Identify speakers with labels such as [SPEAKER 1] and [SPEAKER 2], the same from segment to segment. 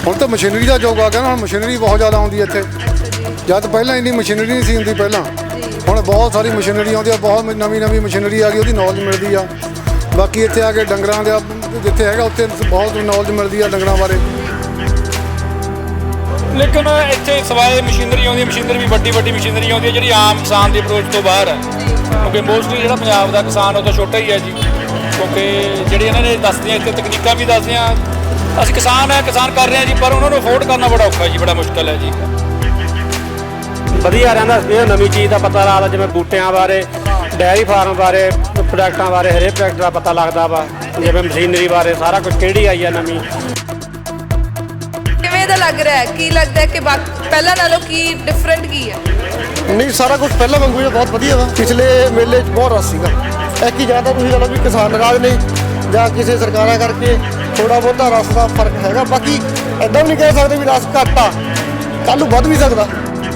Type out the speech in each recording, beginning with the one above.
[SPEAKER 1] ਹੁਣ ਤਾਂ ਮਸ਼ੀਨਰੀ ਦਾ ਯੁੱਗ ਆ ਗਿਆ ਨਾ, ਹੁਣ ਮਸ਼ੀਨਰੀ ਬਹੁਤ ਜ਼ਿਆਦਾ ਆਉਂਦੀ ਇੱਥੇ। ਜਦ ਪਹਿਲਾਂ ਇੰਨੀ ਮਸ਼ੀਨਰੀ ਨਹੀਂ ਸੀ ਹੁੰਦੀ ਪਹਿਲਾਂ, ਹੁਣ ਬਹੁਤ ਸਾਰੀ ਮਸ਼ੀਨਰੀ ਆਉਂਦੀ ਆ, ਬਹੁਤ ਨਵੀਂ ਮਸ਼ੀਨਰੀ ਆ ਗਈ, ਉਹਦੀ ਨੌਲੇਜ ਮਿਲਦੀ ਆ। ਬਾਕੀ ਇੱਥੇ ਆ ਕੇ ਡੰਗਰਾਂ ਦੇ ਜਿੱਥੇ ਹੈਗਾ ਉੱਥੇ ਬਹੁਤ ਨੌਲੇਜ ਮਿਲਦੀ ਆ ਡੰਗਰਾਂ ਬਾਰੇ।
[SPEAKER 2] ਲੇਕਿਨ ਇੱਥੇ ਸਵਾਏ ਮਸ਼ੀਨਰੀ ਆਉਂਦੀ ਹੈ, ਮਸ਼ੀਨਰੀ ਵੀ ਵੱਡੀ ਮਸ਼ੀਨਰੀ ਆਉਂਦੀ ਹੈ ਜਿਹੜੀ ਆਮ ਕਿਸਾਨ ਦੀ ਅਪਰੋਚ ਤੋਂ ਬਾਹਰ ਹੈ, ਕਿਉਂਕਿ ਮੋਸਟਲੀ ਜਿਹੜਾ ਪੰਜਾਬ ਦਾ ਕਿਸਾਨ ਉਹ ਤਾਂ ਛੋਟਾ ਹੀ ਹੈ ਜੀ। ਕਿਉਂਕਿ ਜਿਹੜੀ ਇਹਨਾਂ ਨੇ ਦੱਸਦੀਆਂ ਇੱਥੇ ਤਕਨੀਕਾਂ ਵੀ ਦੱਸਦੀਆਂ, ਅਸੀਂ ਕਿਸਾਨ ਕਰ ਰਹੇ ਹਾਂ ਜੀ, ਪਰ ਉਹਨਾਂ ਨੂੰ ਅਫੋਰਡ ਕਰਨਾ ਬੜਾ ਔਖਾ ਜੀ, ਬੜਾ ਮੁਸ਼ਕਿਲ ਹੈ ਜੀ।
[SPEAKER 3] ਵਧੀਆ ਰਹਿੰਦਾ ਸੀ, ਨਵੀਂ ਚੀਜ਼ ਦਾ ਪਤਾ ਲੱਗਦਾ, ਜਿਵੇਂ ਬੂਟਿਆਂ ਬਾਰੇ, ਡੈਰੀ ਫਾਰਮ ਬਾਰੇ, ਪ੍ਰੋਡਕਟਾਂ ਬਾਰੇ, ਹਰੇਕ ਪ੍ਰੋਡਕਟ ਦਾ ਪਤਾ ਲੱਗਦਾ ਵਾ, ਜਿਵੇਂ ਮਸ਼ੀਨਰੀ ਬਾਰੇ ਸਾਰਾ ਕੁਝ ਕਿਹੜੀ ਆਈ ਆ ਨਵੀਂ।
[SPEAKER 4] ਕਿਵੇਂ ਦਾ ਲੱਗ ਰਿਹਾ ਹੈ? ਕੀ ਲੱਗਦਾ ਹੈ ਕਿ ਪਹਿਲਾਂ ਨਾਲੋਂ ਕੀ ਡਿਫਰੈਂਟ ਕੀ ਹੈ?
[SPEAKER 5] ਨਹੀਂ, ਸਾਰਾ ਕੁਝ ਪਹਿਲਾਂ ਵਾਂਗੂ ਹੀ ਬਹੁਤ ਵਧੀਆ ਵਾ। ਪਿਛਲੇ ਮੇਲੇ 'ਚ ਬਹੁਤ ਰਸ਼ ਸੀਗਾ, ਐਤਕੀ ਜ਼ਿਆਦਾ ਤੁਸੀਂ ਕਹਿ ਲਓ ਵੀ ਕਿਸਾਨ ਨਾਰਾਜ਼ ਨੇ ਜਾਂ ਕਿਸੇ ਸਰਕਾਰਾਂ ਕਰਕੇ ਥੋੜਾ ਬਹੁਤਾ ਰਸ਼ ਦਾ ਫਰਕ ਹੈਗਾ। ਬਾਕੀ ਐਦਾਂ ਵੀ ਨਹੀਂ ਕਹਿ ਸਕਦੇ ਵੀ ਰਸ਼ ਘੱਟ ਆ, ਕੱਲ੍ਹ ਨੂੰ ਵੱਧ ਵੀ ਸਕਦਾ।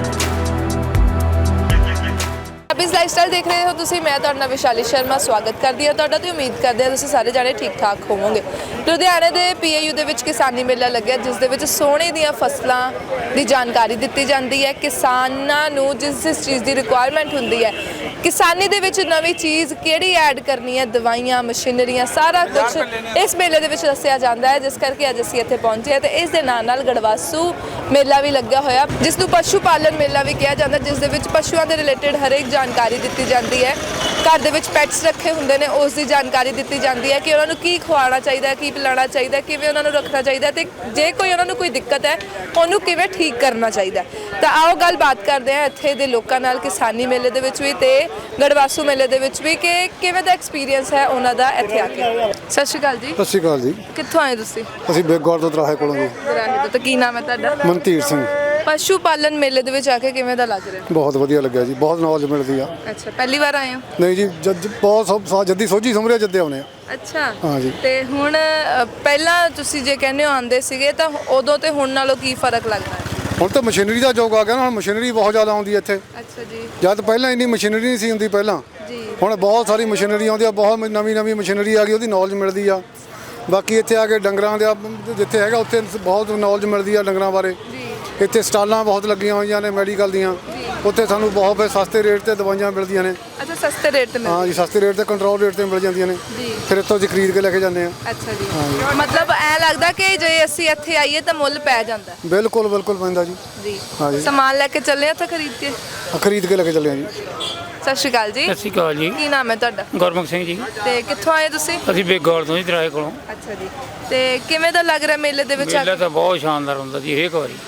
[SPEAKER 4] ਪੰਜਾਬੀਜ਼ ਲਾਈਫਸਟਾਈਲ ਦੇਖ ਰਹੇ ਹੋ ਤੁਸੀਂ, ਮੈਂ ਤੁਹਾਡਾ ਵਿਸ਼ਾਲੀ ਸ਼ਰਮਾ ਸਵਾਗਤ ਕਰਦੀ ਹਾਂ ਤੁਹਾਡਾ ਤੇ ਉਮੀਦ ਕਰਦੇ ਹਾਂ ਤੁਸੀਂ ਸਾਰੇ ਜਾਣੇ ਠੀਕ ਠਾਕ ਹੋਵੋਗੇ। ਲੁਧਿਆਣੇ ਦੇ PAU ਦੇ ਵਿੱਚ ਕਿਸਾਨੀ ਮੇਲਾ ਲੱਗਿਆ, ਜਿਸ ਦੇ ਵਿੱਚ ਸੋਨੇ ਦੀਆਂ ਫਸਲਾਂ ਦੀ ਜਾਣਕਾਰੀ ਦਿੱਤੀ ਜਾਂਦੀ ਹੈ। ਕਿਸਾਨਾਂ ਨੂੰ ਜਿਸ ਚੀਜ਼ ਦੀ ਰਿਕੁਆਇਰਮੈਂਟ ਹੁੰਦੀ ਹੈ, ਕਿਸਾਨੀ ਦੇ ਵਿੱਚ ਨਵੀਂ ਚੀਜ਼ ਕਿਹੜੀ ਐਡ ਕਰਨੀ ਹੈ, ਦਵਾਈਆਂ, ਮਸ਼ੀਨਰੀਆਂ, ਸਾਰਾ ਕੁਝ ਇਸ ਮੇਲੇ ਦੇ ਵਿੱਚ ਦੱਸਿਆ ਜਾਂਦਾ ਹੈ। ਜਿਸ ਕਰਕੇ ਅੱਜ ਅਸੀਂ ਇੱਥੇ ਪਹੁੰਚੇ ਹਾਂ ਤੇ ਇਸ ਦੇ ਨਾਲ ਗੜਵਾਸੂ ਮੇਲਾ ਵੀ ਲੱਗਿਆ ਹੋਇਆ, ਜਿਸ ਨੂੰ ਪਸ਼ੂ ਪਾਲਣ ਮੇਲਾ ਵੀ ਕਿਹਾ ਜਾਂਦਾ, ਜਿਸ ਦੇ ਵਿੱਚ ਪਸ਼ੂਆਂ ਦੇ ਰਿਲੇਟਡ ਹਰੇਕ ਜਾਣਕਾਰੀ ਦਿੱਤੀ ਜਾਂਦੀ ਹੈ। ਘਰ ਦੇ ਵਿੱਚ ਪੈਟਸ ਰੱਖੇ ਹੁੰਦੇ ਨੇ, ਉਸ ਦੀ ਜਾਣਕਾਰੀ ਦਿੱਤੀ ਜਾਂਦੀ ਹੈ ਕਿ ਉਹਨਾਂ ਨੂੰ ਕੀ ਖਵਾਉਣਾ ਚਾਹੀਦਾ, ਕੀ ਪਿਲਾਉਣਾ ਚਾਹੀਦਾ, ਕਿਵੇਂ ਉਹਨਾਂ ਨੂੰ ਰੱਖਣਾ ਚਾਹੀਦਾ ਤੇ ਜੇ ਕੋਈ ਉਹਨਾਂ ਨੂੰ ਕੋਈ ਦਿੱਕਤ ਹੈ ਉਹਨੂੰ ਕਿਵੇਂ ਠੀਕ ਕਰਨਾ ਚਾਹੀਦਾ। ਤਾਂ ਆਓ ਗੱਲਬਾਤ ਕਰਦੇ ਹਾਂ ਇੱਥੇ ਦੇ ਲੋਕਾਂ ਨਾਲ, ਕਿਸਾਨੀ ਮੇਲੇ ਦੇ ਵਿੱਚ ਵੀ ਤੇ ਗੜਵਾਸੂ ਮੇਲੇ ਦੇ ਵਿੱਚ ਵੀ, ਕਿ ਕਿਵੇਂ ਦਾ ਐਕਸਪੀਰੀਅੰਸ ਹੈ ਉਹਨਾਂ ਦਾ ਇੱਥੇ ਆ ਕੇ। ਸਤਿ ਸ਼੍ਰੀ ਅਕਾਲ ਜੀ।
[SPEAKER 1] ਸਤਿ ਸ਼੍ਰੀ ਅਕਾਲ ਜੀ।
[SPEAKER 4] ਕਿੱਥੋਂ ਆਏ ਤੁਸੀਂ?
[SPEAKER 1] ਅਸੀਂ ਬੇਗੌਰ ਤੋਂ ਦਰਾਹੇ ਕੋਲੋਂ ਜੀ।
[SPEAKER 4] ਦਰਾਹੇ ਤੋਂ। ਤਾਂ ਕੀ ਨਾਮ ਹੈ ਤੁਹਾਡਾ?
[SPEAKER 1] ਮਨਤੀਰ ਸਿੰਘ।
[SPEAKER 4] ਪਸ਼ੂ ਪਾਲਣ ਮੇਲੇ ਦੇ ਵਿੱਚ ਆ ਕੇ ਕਿਵੇਂ ਦਾ ਲੱਗ ਰਿਹਾ?
[SPEAKER 1] ਬਹੁਤ ਵਧੀਆ ਲੱਗਿਆ ਜੀ, ਬਹੁਤ ਨੌਲੇਜ ਮਿਲਦੀ ਆ।
[SPEAKER 4] ਅੱਛਾ, ਪਹਿਲੀ ਵਾਰ ਆਏ ਹੋ?
[SPEAKER 1] ਨਹੀਂ ਜੀ, ਬਹੁਤ ਜੱਦੀ ਸੋਝੀ ਸਮਰਿਆ ਜੱਦੇ ਆਉਣੇ ਆ।
[SPEAKER 4] ਅੱਛਾ,
[SPEAKER 1] ਹਾਂ ਜੀ।
[SPEAKER 4] ਤੇ ਹੁਣ ਪਹਿਲਾਂ ਤੁਸੀਂ ਜੇ ਕਹਿੰਦੇ ਹੋ ਆਉਂਦੇ ਸੀਗੇ ਤਾਂ ਉਦੋਂ ਤੇ ਹੁਣ ਨਾਲੋਂ ਕੀ ਫਰਕ ਲੱਗਦਾ ਹੈ?
[SPEAKER 1] ਹੁਣ ਤਾਂ ਮਸ਼ੀਨਰੀ ਦਾ ਯੁੱਗ ਆ ਗਿਆ ਨਾ, ਹੁਣ ਮਸ਼ੀਨਰੀ ਬਹੁਤ ਜ਼ਿਆਦਾ ਆਉਂਦੀ ਇੱਥੇ।
[SPEAKER 4] ਅੱਛਾ ਜੀ।
[SPEAKER 1] ਜਦ ਪਹਿਲਾਂ ਇੰਨੀ ਮਸ਼ੀਨਰੀ ਨਹੀਂ ਸੀ ਹੁੰਦੀ ਪਹਿਲਾਂ,
[SPEAKER 4] ਜੀ।
[SPEAKER 1] ਹੁਣ ਬਹੁਤ ਸਾਰੀ ਮਸ਼ੀਨਰੀ ਆਉਂਦੀ ਆ, ਬਹੁਤ ਨਵੀਂ ਮਸ਼ੀਨਰੀ ਆ ਗਈ, ਉਹਦੀ ਨੌਲੇਜ ਮਿਲਦੀ ਆ। ਬਾਕੀ ਇੱਥੇ ਆ ਕੇ ਡੰਗਰਾਂ ਦੇ ਜਿੱਥੇ ਹੈਗਾ ਉੱਥੇ ਬਹੁਤ ਨੌਲੇਜ ਮਿਲਦੀ ਆ ਡੰਗਰਾਂ ਬਾਰੇ। ਇੱਥੇ ਸਟਾਲਾਂ ਬਹੁਤ ਲੱਗੀਆਂ ਹੋਈਆਂ ਨੇ ਮੈਡੀਕਲ ਦੀਆਂ, ਉੱਥੇ ਸਾਨੂੰ ਬਹੁਤ ਸਸਤੇ ਰੇਟ ਤੇ ਦਵਾਈਆਂ ਮਿਲਦੀਆਂ ਨੇ।
[SPEAKER 4] ਅੱਛਾ, ਸਸਤੇ ਰੇਟ ਤੇ
[SPEAKER 1] ਹਾਂ ਜੀ, ਸਸਤੇ ਰੇਟ ਤੇ ਕੰਟਰੋਲ ਰੇਟ ਤੇ ਮਿਲ ਜਾਂਦੀਆਂ ਨੇ। ਫਿਰ ਇੱਥੋਂ ਅਸੀਂ ਖਰੀਦ ਕੇ ਲੈ ਕੇ ਜਾਂਦੇ ਆ।
[SPEAKER 4] ਅੱਛਾ ਜੀ। ਮਤਲਬ ਐ ਲੱਗਦਾ ਕਿ ਜੇ ਅਸੀਂ ਇੱਥੇ ਆਈਏ ਤਾਂ ਮੁੱਲ ਪੈ ਜਾਂਦਾ?
[SPEAKER 1] ਬਿਲਕੁਲ ਪੈਂਦਾ ਜੀ।
[SPEAKER 4] ਜੀ।
[SPEAKER 1] ਹਾਂ ਜੀ।
[SPEAKER 4] ਸਮਾਨ ਲੈ ਕੇ ਚੱਲੇ ਉੱਥੇ ਖਰੀਦ ਕੇ
[SPEAKER 1] ਲੈ ਕੇ ਚੱਲੇ ਆ ਜੀ।
[SPEAKER 4] ਸਤਿ ਸ਼੍ਰੀ ਅਕਾਲ ਜੀ।
[SPEAKER 2] ਸਤਿ ਸ਼੍ਰੀ ਅਕਾਲ ਜੀ।
[SPEAKER 4] ਕੀ ਨਾਮ ਹੈ ਤੁਹਾਡਾ?
[SPEAKER 2] ਗੁਰਮੁਖ ਸਿੰਘ ਜੀ।
[SPEAKER 4] ਤੇ ਕਿੱਥੋਂ ਆਏ ਤੁਸੀਂ?
[SPEAKER 2] ਅਸੀਂ ਬੇਗੌਰ ਤੋਂ ਜੀ, ਦਰਾਹੇ ਕੋਲੋਂ।
[SPEAKER 4] ਅੱਛਾ ਜੀ। ਤੇ ਕਿਵੇਂ ਦਾ ਲੱਗ ਰਿਹਾ ਮੇਲੇ ਦੇ ਵਿੱਚ?
[SPEAKER 2] ਮੇਲਾ ਤਾਂ ਬਹੁਤ ਸ਼ਾਨਦਾਰ ਹੁੰਦਾ ਜੀ, ਹਰੇਕ ਵਾਰੀ।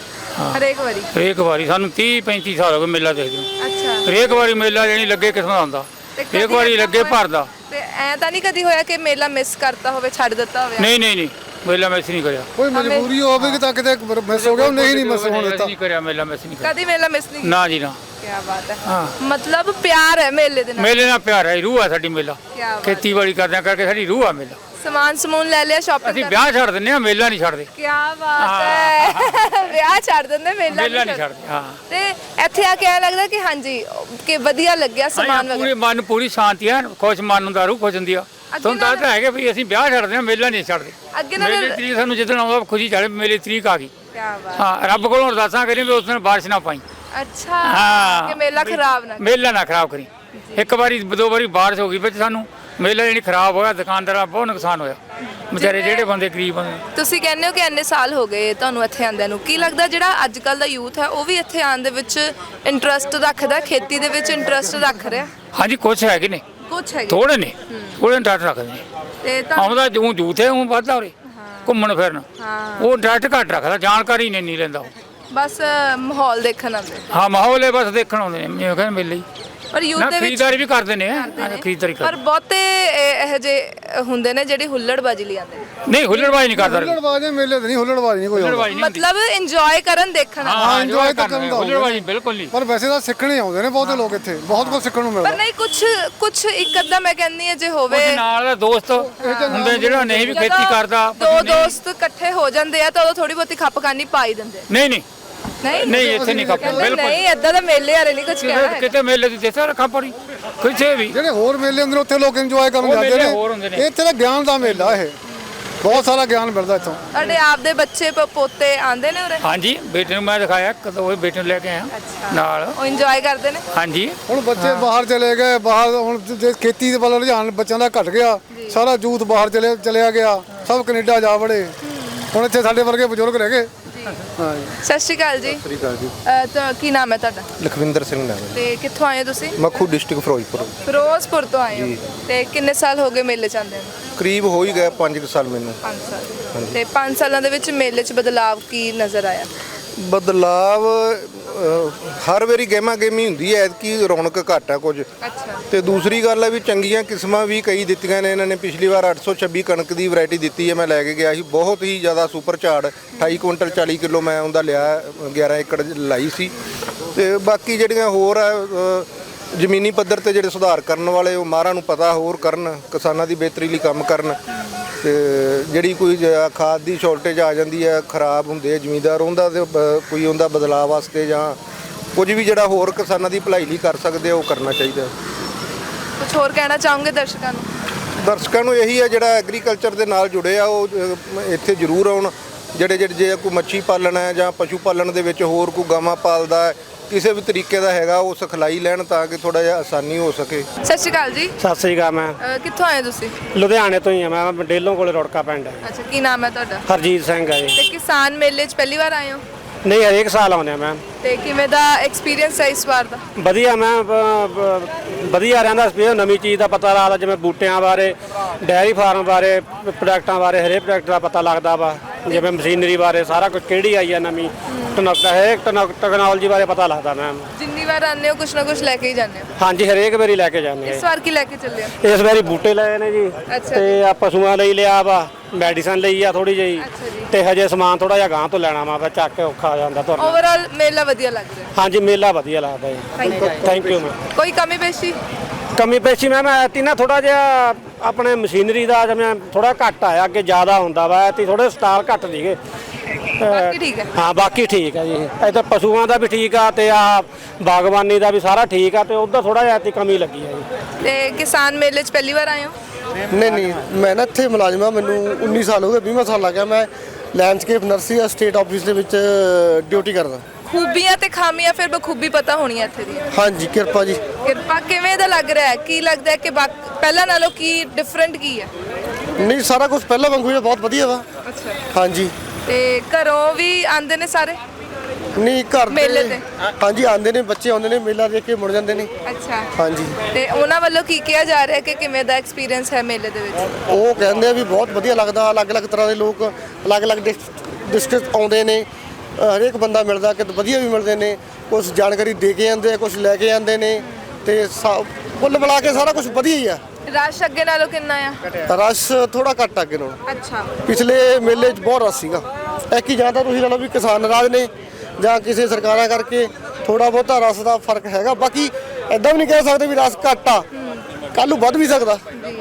[SPEAKER 4] ਹਰੇਕ
[SPEAKER 2] ਵਾਰੀ ਸਾਨੂੰ 30-35 ਸਾਲ ਹੋ ਗਏ ਮੇਲਾ ਦੇਖਦੇ ਨੂੰ।
[SPEAKER 4] ਅੱਛਾ।
[SPEAKER 2] ਹਰੇਕ ਵਾਰੀ ਮੇਲਾ ਜਿਹੜੀ ਲੱਗੇ ਕਿਸਮ ਦਾ ਹੁੰਦਾ, ਹਰੇਕ ਵਾਰੀ ਲੱਗੇ ਭਰਦਾ।
[SPEAKER 4] ਤੇ ਐ ਤਾਂ ਨਹੀਂ ਕਦੀ ਹੋਇਆ ਕਿ ਮੇਲਾ ਮਿਸ ਕਰਤਾ ਹੋਵੇ, ਛੱਡ ਦਿੱਤਾ ਹੋਵੇ?
[SPEAKER 2] ਨਹੀਂ, ਮੇਲਾ ਮਿਸ ਨਹੀਂ ਕਰਿਆ।
[SPEAKER 1] ਕੋਈ ਮਜਬੂਰੀ ਹੋਵੇ ਕਿ ਤਾਂ ਕਿਤੇ ਮਿਸ ਹੋ ਗਿਆ, ਨਹੀਂ ਮਿਸ ਹੋਣ ਦਿੱਤਾ।
[SPEAKER 2] ਨਹੀਂ ਕਰਿਆ, ਮੇਲਾ ਮਿਸ ਨਹੀਂ ਕਰਿਆ
[SPEAKER 4] ਕਦੀ ਮੇਲਾ ਮਿਸ ਨਹੀਂ?
[SPEAKER 2] ਨਾ ਜੀ ਨਾ।
[SPEAKER 4] ਕੀ ਬਾਤ ਹੈ।
[SPEAKER 2] ਹਾਂ,
[SPEAKER 4] ਮਤਲਬ ਪਿਆਰ ਹੈ ਮੇਲੇ ਦੇ ਨਾਲ?
[SPEAKER 2] ਮੇਲੇ ਨਾਲ ਪਿਆਰ ਹੈ, ਰੂਹ ਹੈ ਸਾਡੀ ਮੇਲਾ।
[SPEAKER 4] ਕੀ ਬਾਤ।
[SPEAKER 2] ਖੇਤੀਬਾੜੀ ਕਰਦਿਆਂ ਕਰਕੇ ਸਾਡੀ ਰੂਹ ਆ ਮੇਲਾ।
[SPEAKER 4] ਸਮਾਨ ਲੈ ਲਿਆ, ਸ਼ਾਪਿੰਗ?
[SPEAKER 2] ਅਸੀਂ ਵਿਆਹ ਛੱਡ ਦਿੰਦੇ ਆ, ਮੇਲਾ ਨਹੀਂ ਛੱਡਦੇ।
[SPEAKER 4] ਕੀ ਬਾਤ ਹੈ। ਵਿਆਹ ਛੱਡ ਦਿੰਦੇ, ਮੇਲਾ
[SPEAKER 2] ਨਹੀਂ ਛੱਡਦੇ। ਹਾਂ,
[SPEAKER 4] ਤੇ ਇੱਥੇ ਆ ਕੇ ਐ ਲੱਗਦਾ ਕਿ ਹਾਂਜੀ ਕਿ ਵਧੀਆ ਲੱਗਿਆ ਸਮਾਨ ਵਗੈਰਾ?
[SPEAKER 2] ਪੂਰੇ ਮਨ ਪੂਰੀ ਸ਼ਾਂਤੀ ਹੈ, ਖੁਸ਼ ਮਨ ਹੁੰਦਾ, ਰੂਹ ਖੁਸ਼ ਹੁੰਦੀ ਆ। ਤੁਹਾਨੂੰ ਤਾਂ ਹੈਗਾ ਵੀ ਅਸੀਂ ਵਿਆਹ ਛੱਡਦੇ ਆ, ਮੇਲਾ ਨਹੀਂ ਛੱਡਦੇ।
[SPEAKER 4] ਅੱਗੇ ਨਾਲ
[SPEAKER 2] ਮੇਲੇ ਤਰੀਕ ਸਾਨੂੰ ਜਿੱਦਣ ਆਉਂਦਾ ਖੁਸ਼ੀ ਚੜੇ, ਮੇਲੇ ਤਰੀਕ ਆ ਗਈ।
[SPEAKER 4] ਕੀ ਬਾਤ।
[SPEAKER 2] ਹਾਂ, ਰੱਬ ਕੋਲੋਂ ਅਰਦਾਸਾਂ ਕਰੀ ਵੀ ਉਸ ਦਿਨ ਬਾਰਿਸ਼ ਨਾ ਪਾਈ।
[SPEAKER 4] ਅੱਛਾ,
[SPEAKER 2] ਹਾਂ,
[SPEAKER 4] ਕਿ ਮੇਲਾ ਖਰਾਬ ਨਾ?
[SPEAKER 2] ਮੇਲਾ ਨਾ ਖਰਾਬ ਕਰੀ। ਇੱਕ ਵਾਰੀ ਦੋ ਵਾਰੀ ਬਾਰਿਸ਼ ਹੋ ਗਈ ਵਿੱਚ ਸਾਨੂੰ ਮੇਲਾ ਜਿਹੜੀ ਖਰਾਬ ਹੋਇਆ, ਦੁਕਾਨਦਾਰਾਂ ਬਹੁਤ ਨੁਕਸਾਨ ਹੋਇਆ, ਵਿਚਾਰੇ ਜਿਹੜੇ ਬੰਦੇ ਗਰੀਬ ਬੰਦੇ।
[SPEAKER 4] ਤੁਸੀਂ ਕਹਿੰਦੇ ਹੋ ਕਿ ਇੰਨੇ ਸਾਲ ਹੋ ਗਏ ਤੁਹਾਨੂੰ ਇੱਥੇ ਆਉਂਦਿਆਂ ਨੂੰ, ਕੀ ਲੱਗਦਾ ਜਿਹੜਾ ਅੱਜ ਕੱਲ ਦਾ ਯੂਥ ਹੈ ਉਹ ਵੀ ਇੱਥੇ ਆਉਣ ਦੇ ਵਿੱਚ ਇੰਟਰਸਟ ਰੱਖਦਾ, ਖੇਤੀ ਦੇ ਵਿੱਚ ਇੰਟਰਸਟ ਰੱਖ ਰਿਹਾ?
[SPEAKER 2] ਹਾਂਜੀ, ਕੁਛ ਹੈਗੇ ਨੇ,
[SPEAKER 4] ਕੁਛ ਹੈਗੇ
[SPEAKER 2] ਥੋੜੇ ਨੇ, ਥੋੜੇ ਇੰਟਰਸਟ ਰੱਖਦੇ ਨੇ।
[SPEAKER 4] ਤੇ ਤਾਂ
[SPEAKER 2] ਆਉਂਦਾ ਜੂੰ ਜੂਥ ਹੈ, ਉਹ ਵੱਧਦਾ ਉਰੇ ਘੁੰਮਣ ਫਿਰਨ,
[SPEAKER 4] ਹਾਂ,
[SPEAKER 2] ਉਹ ਇੰਟਰਸਟ ਘੱਟ ਰੱਖਦਾ, ਜਾਣਕਾਰੀ ਨਹੀਂ ਲੈਂਦਾ ਉਹ।
[SPEAKER 4] ਬਸ ਮਾਹੌਲ ਦੇਖਣ ਆਉਂਦੇ।
[SPEAKER 2] ਹਾਂ, ਮਾਹੌਲ ਹੈ, ਬਸ ਦੇਖਣ ਆਉਂਦੇ ਨੇ, ਮੈਂ ਕਹਿੰਦਾ ਮੇਲੇ ਹੀ।
[SPEAKER 4] ਪਰ ਯੂਥ
[SPEAKER 2] ਨਾ
[SPEAKER 4] ਦੇ ਵਿੱਚ
[SPEAKER 2] ਖਰੀਦਦਾਰੀ ਵੀ ਕਰਦੇ ਨੇ, ਖਰੀਦਦਾਰੀ
[SPEAKER 4] ਪਰ
[SPEAKER 2] ਕਰਦੇ।
[SPEAKER 4] ਬਹੁਤੇ ਇਹੋ ਜਿਹੇ ਹੁੰਦੇ ਨੇ ਜਿਹੜੀ ਹੁੱਲੜਬਾਜੀ ਲਈ ਆਉਂਦੇ ਨੇ।
[SPEAKER 2] ਨਹੀਂ, ਹੁੱਲੜਬਾਜ਼ੀ ਨਹੀਂ ਕਰਦਾ।
[SPEAKER 1] ਹੁੱਲੜਬਾਜ਼ੀ ਮੇਲੇ ਤੇ ਨਹੀਂ, ਹੁੱਲੜਬਾਜ਼ੀ ਨਹੀਂ ਕੋਈ ਆਉਂਦਾ।
[SPEAKER 2] ਹੁੱਲੜਬਾਜ਼ੀ ਨਹੀਂ ਹੁੰਦੀ।
[SPEAKER 4] ਮਤਲਬ ਇੰਜੋਏ ਕਰਨ, ਦੇਖਣ ਆਉਂਦੇ।
[SPEAKER 2] ਹਾਂ,
[SPEAKER 1] enjoy ਤਾਂ ਕਰਨ ਦਾ
[SPEAKER 2] ਹੁੱਲੜਬਾਜ਼ੀ ਬਿਲਕੁਲ ਨਹੀਂ।
[SPEAKER 1] ਪਰ ਵੈਸੇ ਤਾਂ ਸਿੱਖਣੇ ਆਉਂਦੇ ਨੇ ਬਹੁਤੇ ਲੋਕ ਇੱਥੇ, ਬਹੁਤ ਕੁਝ ਸਿੱਖਣ ਨੂੰ
[SPEAKER 4] ਪਰ
[SPEAKER 1] ਮਿਲਦਾ।
[SPEAKER 4] ਨਹੀਂ, ਕੁਝ ਇੱਕ ਅੱਧਾ ਮੈਂ ਕਹਿੰਦੀ ਹਾਂ ਜੇ ਹੋਵੇ
[SPEAKER 2] ਕੁਝ ਨਾਲ ਦਾ ਦੋਸਤ ਹੁੰਦੇ ਜਿਹੜਾ ਨਹੀਂ ਵੀ ਖੇਤੀ ਕਰਦਾ।
[SPEAKER 4] ਦੋ ਦੋਸਤ ਇਕੱਠੇ ਹੋ ਜਾਂਦੇ ਆ ਤਾਂ ਉਦੋਂ ਥੋੜੀ ਬਹੁਤੀ ਖੱਪਕਾਨੀ ਪਾ ਹੀ ਦਿੰਦੇ।
[SPEAKER 2] ਨਹੀਂ,
[SPEAKER 4] ਨਹੀਂ
[SPEAKER 2] ਇੱਥੇ ਨਹੀਂ ਖੱਪ
[SPEAKER 4] ਕਹਿੰਦੇ
[SPEAKER 2] ਬਿਲਕੁਲ।
[SPEAKER 4] ਨਹੀਂ, ਏਦਾਂ ਦਾ ਮੇਲੇ ਵਾਲੇ ਨਹੀਂ ਕੁਝ ਕਹਿਣਾ।
[SPEAKER 2] ਕਿਤੇ ਮੇਲੇ ਦੀ ਦੇਸਾ ਰੱਖਾ ਪੜੀ ਕਿਸੇ ਵੀ
[SPEAKER 1] ਜਿਹੜੇ ਹੋਰ ਮੇਲੇ ਹੁੰਦੇ ਨੇ ਉੱਥੇ ਲੋਕ ਇੰਜੋਏ ਕਰਨ
[SPEAKER 2] ਉਹ
[SPEAKER 1] ਜਾਂਦੇ
[SPEAKER 2] ਮੇਲੇ ਹੋਰ ਹੁੰਦੇ
[SPEAKER 1] ਨੇ,
[SPEAKER 2] ਨੇ।
[SPEAKER 1] ਇੱਥੇ ਤਾਂ ਗਿਆਨ ਦਾ ਮੇਲਾ ਇਹ। ਬਹੁਤ ਸਾਰਾ ਗਿਆਨ ਮਿਲਦਾ ਇੱਥੋਂ।
[SPEAKER 4] ਤੁਹਾਡੇ ਆਪਦੇ ਬੱਚੇ ਪੋਤੇ ਆਂਦੇ ਨੇ ਉਰੇ?
[SPEAKER 6] ਹਾਂਜੀ ਬੇਟੇ ਨੂੰ ਮੈਂ ਦਿਖਾਇਆ ਕਦੋਂ ਉਹ ਬੇਟੇ ਨੂੰ ਲੈ ਕੇ ਆਇਆ ਨਾਲ।
[SPEAKER 4] ਉਹ ਇੰਜੋਏ ਕਰਦੇ ਨੇ?
[SPEAKER 6] ਹਾਂਜੀ
[SPEAKER 1] ਹੁਣ ਬੱਚੇ ਬਾਹਰ ਚਲੇ ਗਏ, ਬਾਹਰ ਹੁਣ ਜੇ ਖੇਤੀ ਦੇ ਵੱਲ ਰੁਝਾਨ ਬੱਚਿਆਂ ਦਾ ਘਟ ਗਿਆ, ਸਾਰਾ ਯੂਥ ਬਾਹਰ ਚਲਿਆ ਗਿਆ, ਸਭ ਕੈਨੇਡਾ ਜਾ ਵੜੇ। ਹੁਣ ਇੱਥੇ ਸਾਡੇ ਵਰਗੇ ਬਜ਼ੁਰਗ ਰਹਿ ਗਏ। ਹਾਂ ਜੀ।
[SPEAKER 4] ਸਤਿ ਸ਼੍ਰੀ ਅਕਾਲ ਜੀ।
[SPEAKER 5] ਸ੍ਰੀ ਅਕਾਲ ਜੀ।
[SPEAKER 4] ਤਾਂ ਕੀ ਨਾਮ ਹੈ ਤੁਹਾਡਾ?
[SPEAKER 5] ਲਖਵਿੰਦਰ ਸਿੰਘ ਨਾਮ ਹੈ।
[SPEAKER 4] ਤੇ ਕਿੱਥੋਂ ਆਏ ਹੋ ਤੁਸੀਂ?
[SPEAKER 5] ਮੱਖੂ ਡਿਸਟ੍ਰਿਕਟ ਫਿਰੋਜ਼ਪੁਰ।
[SPEAKER 4] ਫਿਰੋਜ਼ਪੁਰ ਤੋਂ ਆਏ ਹੋ। ਤੇ ਕਿੰਨੇ ਸਾਲ ਹੋ ਗਏ ਮੇਲੇ ਚ ਆਉਂਦੇ ਨੂੰ?
[SPEAKER 5] ਕਰੀਬ ਹੋ ਹੀ ਗਿਆ 5 ਸਾਲ ਮੈਨੂੰ।
[SPEAKER 4] 5 ਸਾਲ। ਤੇ 5 ਸਾਲਾਂ ਦੇ ਵਿੱਚ ਮੇਲੇ 'ਚ ਬਦਲਾਵ ਕੀ ਨਜ਼ਰ ਆਇਆ?
[SPEAKER 5] ਬਦਲਾਵ ਹਰ ਵਾਰੀ ਗਹਿਮਾ ਗਹਿਮੀ ਹੁੰਦੀ ਹੈ, ਐਤਕੀ ਰੌਣਕ ਘੱਟ ਆ ਕੁਝ।
[SPEAKER 4] ਅੱਛਾ।
[SPEAKER 5] ਤੇ ਦੂਸਰੀ ਗੱਲ ਹੈ ਵੀ ਚੰਗੀਆਂ ਕਿਸਮਾਂ ਵੀ ਕਈ ਦਿੱਤੀਆਂ ਨੇ ਇਹਨਾਂ ਨੇ। ਪਿਛਲੀ ਵਾਰ 826 ਕਣਕ ਦੀ ਵੈਰਾਈਟੀ ਦਿੱਤੀ ਹੈ, ਮੈਂ ਲੈ ਕੇ ਗਿਆ ਸੀ, ਬਹੁਤ ਹੀ ਜ਼ਿਆਦਾ ਸੁਪਰ ਝਾੜ। 28 ਕੁਇੰਟਲ 40 ਕਿਲੋ ਮੈਂ ਉਹਦਾ ਲਿਆ, 11 ਏਕੜ ਲਾਈ ਸੀ। ਤੇ ਬਾਕੀ ਜਿਹੜੀਆਂ ਹੋਰ ਆ ਜ਼ਮੀਨੀ ਪੱਧਰ ਤੇ ਜਿਹੜੇ ਸੁਧਾਰ ਕਰਨ ਵਾਲੇ, ਉਹ ਮਾਹਰਾਂ ਨੂੰ ਪਤਾ ਹੋਰ ਕਰਨ, ਕਿਸਾਨਾਂ ਦੀ ਬਿਹਤਰੀ ਲਈ ਕੰਮ ਕਰਨ। ਤੇ ਜਿਹੜੀ ਕੋਈ ਖਾਦ ਦੀ ਸ਼ਾਰਟੇਜ ਆ ਜਾਂਦੀ ਹੈ, ਖਰਾਬ ਹੁੰਦੇ ਆ ਜ਼ਮੀਂਦਾਰ, ਉਹਦਾ ਤੇ ਕੋਈ ਉਹਦਾ ਬਦਲਾਅ ਵਾਸਤੇ ਜਾਂ ਕੁਝ ਵੀ ਜਿਹੜਾ ਹੋਰ ਕਿਸਾਨਾਂ ਦੀ ਭਲਾਈ ਲਈ ਕਰ ਸਕਦੇ ਆ, ਉਹ ਕਰਨਾ ਚਾਹੀਦਾ।
[SPEAKER 4] ਕੁਝ ਹੋਰ ਕਹਿਣਾ ਚਾਹੋਗੇ ਦਰਸ਼ਕਾਂ ਨੂੰ?
[SPEAKER 5] ਦਰਸ਼ਕਾਂ ਨੂੰ ਇਹੀ ਹੈ ਜਿਹੜਾ ਐਗਰੀਕਲਚਰ ਦੇ ਨਾਲ ਜੁੜੇ ਆ, ਉਹ ਇੱਥੇ ਜ਼ਰੂਰ ਆਉਣ। ਜਿਹੜੇ ਜੇ ਕੋਈ ਮੱਛੀ ਪਾਲਣ ਹੈ ਜਾਂ ਪਸ਼ੂ ਪਾਲਣ ਦੇ ਵਿੱਚ ਹੋਰ ਕੋਈ ਗਾਵਾਂ ਪਾਲਦਾ ਹੈ, ਕਿਸੇ ਵੀ ਤਰੀਕੇ ਦਾ ਹੈਗਾ, ਉਹ ਸਿਖਲਾਈ ਲੈਣ ਤਾਂ ਕਿ ਥੋੜਾ ਜਿਹਾ ਆਸਾਨੀ ਹੋ ਸਕੇ।
[SPEAKER 4] ਸਤਿ ਸ਼੍ਰੀ ਅਕਾਲ ਜੀ।
[SPEAKER 3] ਸਤਿ ਸ੍ਰੀ ਅਕਾਲ। ਮੈਂ
[SPEAKER 4] ਕਿੱਥੋਂ ਆਏ ਤੁਸੀਂ?
[SPEAKER 3] ਲੁਧਿਆਣੇ ਤੋਂ ਹੀ ਆ। ਮੈਂ ਡੇਲੋਂ ਕੋਲੇ ਰੁੜਕਾ ਪਿੰਡ ਹੈ।
[SPEAKER 4] ਅੱਛਾ, ਕੀ ਨਾਮ ਹੈ ਤੁਹਾਡਾ?
[SPEAKER 3] ਹਰਜੀਤ ਸਿੰਘ ਹੈ ਜੀ।
[SPEAKER 4] ਤੇ ਕਿਸਾਨ ਮੇਲੇ 'ਚ ਪਹਿਲੀ ਵਾਰ ਆਏ ਹੋ?
[SPEAKER 3] ਨਹੀਂ, ਹਰੇਕ ਸਾਲ ਆਉਂਦੇ ਆ ਮੈਂ।
[SPEAKER 4] ਤੇ ਕਿਵੇਂ ਦਾ ਐਕਸਪੀਰੀਅੰਸ ਹੈ ਇਸ ਵਾਰ ਦਾ?
[SPEAKER 3] ਵਧੀਆ। ਮੈਂ ਵਧੀਆ ਰਹਿੰਦਾ ਐਕਸਪੀਰੀਅੰਸ। ਨਵੀਂ ਚੀਜ਼ ਦਾ ਪਤਾ ਲੱਗਦਾ, ਜਿਵੇਂ ਬੂਟਿਆਂ ਬਾਰੇ, ਡੈਰੀ ਫਾਰਮ ਬਾਰੇ, ਪ੍ਰੋਡਕਟਾਂ ਬਾਰੇ, ਹਰੇਕ ਪ੍ਰੋਡਕਟ ਦਾ ਪਤਾ ਲੱਗਦਾ ਵਾ। ਜਿਵੇਂ ਮਸ਼ੀਨਰੀ ਬਾਰੇ ਸਾਰਾ ਕੁਝ ਕਿਹੜੀ ਆਈ ਆ ਨਵੀਂ ਟੈਕਨੋਲੋਜੀ ਬਾਰੇ ਪਤਾ ਲੱਗਦਾ ਮੈਮ।
[SPEAKER 4] ਜਿੰਨੀ ਵਾਰ ਆਉਂਦੇ ਹੋ ਕੁਛ ਨਾ ਕੁਛ ਲੈ ਕੇ ਹੀ ਜਾਂਦੇ ਹੋ?
[SPEAKER 3] ਹਾਂਜੀ, ਹਰੇਕ ਵਾਰੀ ਲੈ ਕੇ ਜਾਂਦੇ
[SPEAKER 4] ਇਸ
[SPEAKER 3] ਆ।
[SPEAKER 4] ਵਾਰ ਕੀ ਲੈ ਕੇ ਚੱਲੇ ਹੋ?
[SPEAKER 3] ਇਸ ਵਾਰੀ ਬੂਟੇ ਲਏ ਨੇ ਜੀ।
[SPEAKER 4] ਅੱਛਾ
[SPEAKER 3] ਤੇ ਆ ਪਸ਼ੂਆਂ ਲਈ ਲਿਆ ਵਾ, ਮੈਡੀਸਨ ਲਈ ਆ ਥੋੜੀ ਜਿਹੀ।
[SPEAKER 4] ਅੱਛਾ ਜੀ।
[SPEAKER 3] ਤੇ ਹਜੇ ਸਮਾਨ ਥੋੜਾ ਜਿਹਾ ਗਾਂ ਤੋਂ ਲੈਣਾ ਵਾ, ਚੱਕ ਕੇ ਔਖਾ ਹੋ ਜਾਂਦਾ ਤੁਹਾਨੂੰ।
[SPEAKER 4] ਓਵਰਆਲ ਮੇਲਾ ਵਧੀਆ ਲੱਗ ਰਿਹਾ?
[SPEAKER 3] ਹਾਂਜੀ, ਮੇਲਾ ਵਧੀਆ ਲੱਗਦਾ ਜੀ। Thank you ma'am.
[SPEAKER 4] ਕੋਈ ਕਮੀ ਪੇਸ਼ੀ?
[SPEAKER 3] ਕਮੀ ਪੇਸ਼ੀ ਮੈਮ ਐਤੀ ਨਾ ਥੋੜਾ ਜਿਹਾ ਆਪਣੇ ਮਸ਼ੀਨਰੀ ਦਾ ਜਿਵੇਂ ਥੋੜਾ ਘੱਟ ਆਇਆ, ਅੱਗੇ ਜ਼ਿਆਦਾ ਹੁੰਦਾ ਵਾ। ਐਤੀ ਥੋੜੇ ਸਟਾਲ ਘੱਟ ਸੀਗੇ।
[SPEAKER 4] ਬਾਕੀ ਠੀਕ ਹੈ?
[SPEAKER 3] ਹਾਂ, ਬਾਕੀ ਠੀਕ ਹੈ ਜੀ। ਇੱਥੇ ਪਸ਼ੂਆਂ ਦਾ ਵੀ ਠੀਕ ਆ ਤੇ ਆ ਬਾਗਬਾਨੀ ਦਾ ਵੀ ਸਾਰਾ ਠੀਕ ਆ। ਤੇ ਉੱਧਰ ਥੋੜਾ ਜਿਹਾ ਐਤੀ ਕਮੀ ਲੱਗੀ ਹੈ ਜੀ।
[SPEAKER 4] ਤੇ ਕਿਸਾਨ ਮੇਲੇ 'ਚ ਪਹਿਲੀ ਵਾਰ ਆਏ ਹੋ?
[SPEAKER 5] ਨਹੀਂ, ਮੈਂ ਨਾ ਇੱਥੇ ਮੁਲਾਜ਼ਮ ਹਾਂ, ਮੈਨੂੰ 19 ਸਾਲ ਹੋ ਗਏ, 20ਵਾਂ ਸਾਲ ਲੱਗ ਗਿਆ। ਮੈਂ ਲੈਂਡਸਕੇਪ ਨਰਸਰੀ ਸਟੇਟ ਆਫਿਸ ਦੇ ਵਿੱਚ ਡਿਊਟੀ ਕਰਦਾ।
[SPEAKER 4] ਖੂਬੀਆਂ ਤੇ ਖਾਮੀਆਂ ਫਿਰ ਬਖੂਬੀ ਪਤਾ ਹੋਣੀਆਂ ਇੱਥੇ ਦੀਆਂ।
[SPEAKER 5] ਹਾਂਜੀ, ਕਿਰਪਾ ਜੀ।
[SPEAKER 4] ਕਿਰਪਾ ਕਿਵੇਂ ਦਾ ਲੱਗ ਰਿਹਾ ਹੈ? ਕੀ ਲੱਗਦਾ ਹੈ ਕਿ ਪਹਿਲਾਂ ਨਾਲੋਂ ਕੀ ਡਿਫਰੈਂਟ ਕੀ ਹੈ?
[SPEAKER 5] ਨਹੀਂ, ਸਾਰਾ ਕੁਝ ਪਹਿਲਾਂ ਵਾਂਗੂ ਹੀ ਬਹੁਤ ਵਧੀਆ ਵਾ।
[SPEAKER 4] ਅੱਛਾ।
[SPEAKER 5] ਹਾਂਜੀ।
[SPEAKER 4] ਤੇ ਘਰੋਂ ਵੀ ਆਉਂਦੇ ਨੇ ਸਾਰੇ?
[SPEAKER 5] ਨਹੀਂ, ਘਰ ਦੇ-
[SPEAKER 4] ਮੇਲੇ ਤੇ?
[SPEAKER 5] ਹਾਂਜੀ, ਆਉਂਦੇ ਨੇ, ਬੱਚੇ ਆਉਂਦੇ ਨੇ, ਮੇਲਾ ਦੇਖ ਕੇ ਮੁੜ ਜਾਂਦੇ ਨੇ।
[SPEAKER 4] ਅੱਛਾ।
[SPEAKER 5] ਹਾਂਜੀ।
[SPEAKER 4] ਤੇ ਉਹਨਾਂ ਵੱਲੋਂ ਕੀ ਕਿਹਾ ਜਾ ਰਿਹਾ ਕਿ ਕਿਵੇਂ ਦਾ ਐਕਸਪੀਰੀਅੰਸ ਹੈ ਮੇਲੇ ਦੇ ਵਿੱਚ?
[SPEAKER 5] ਉਹ ਕਹਿੰਦੇ ਆ ਵੀ ਬਹੁਤ ਵਧੀਆ ਲੱਗਦਾ, ਅਲੱਗ-ਅਲੱਗ ਤਰ੍ਹਾਂ ਦੇ ਲੋਕ ਅਲੱਗ-ਅਲੱਗ ਡਿਸਟ੍ਰਿਕਟ ਆਉਂਦੇ ਨੇ, ਹਰੇਕ ਬੰਦਾ ਮਿਲਦਾ, ਕਿ ਵਧੀਆ ਵੀ ਮਿਲਦੇ ਨੇ, ਕੁਝ ਜਾਣਕਾਰੀ ਦੇ ਕੇ ਜਾਂਦੇ ਆ, ਕੁਝ ਲੈ ਕੇ ਜਾਂਦੇ ਨੇ। ਤੇ ਕੁੱਲ ਮਿਲਾ ਕੇ ਸਾਰਾ ਕੁਝ ਵਧੀਆ ਹੀ ਆ।
[SPEAKER 4] ਰਸ਼ ਅੱਗੇ ਨਾਲੋਂ ਕਿੰਨਾ ਆ?
[SPEAKER 5] ਰਸ਼ ਥੋੜਾ ਘੱਟ ਅੱਗੇ ਨਾਲੋਂ।
[SPEAKER 4] ਅੱਛਾ।
[SPEAKER 5] ਪਿਛਲੇ ਮੇਲੇ 'ਚ ਬਹੁਤ ਰਸ਼ ਸੀਗਾ। ਐਕੀ ਜਾਂ ਤਾਂ ਤੁਸੀਂ ਲਾ ਲਓ ਵੀ ਕਿਸਾਨ ਨਾਰਾਜ਼ ਨੇ ਜਾਂ ਕਿਸੇ ਸਰਕਾਰਾਂ ਕਰਕੇ ਥੋੜਾ ਬਹੁਤਾ ਰਸ ਦਾ ਫਰਕ ਹੈਗਾ। ਬਾਕੀ ਐਦਾਂ ਵੀ ਨਹੀਂ ਕਹਿ ਸਕਦੇ ਵੀ ਰਸ ਘੱਟ ਆ, ਕੱਲ੍ਹ ਨੂੰ ਵੱਧ ਵੀ ਸਕਦਾ।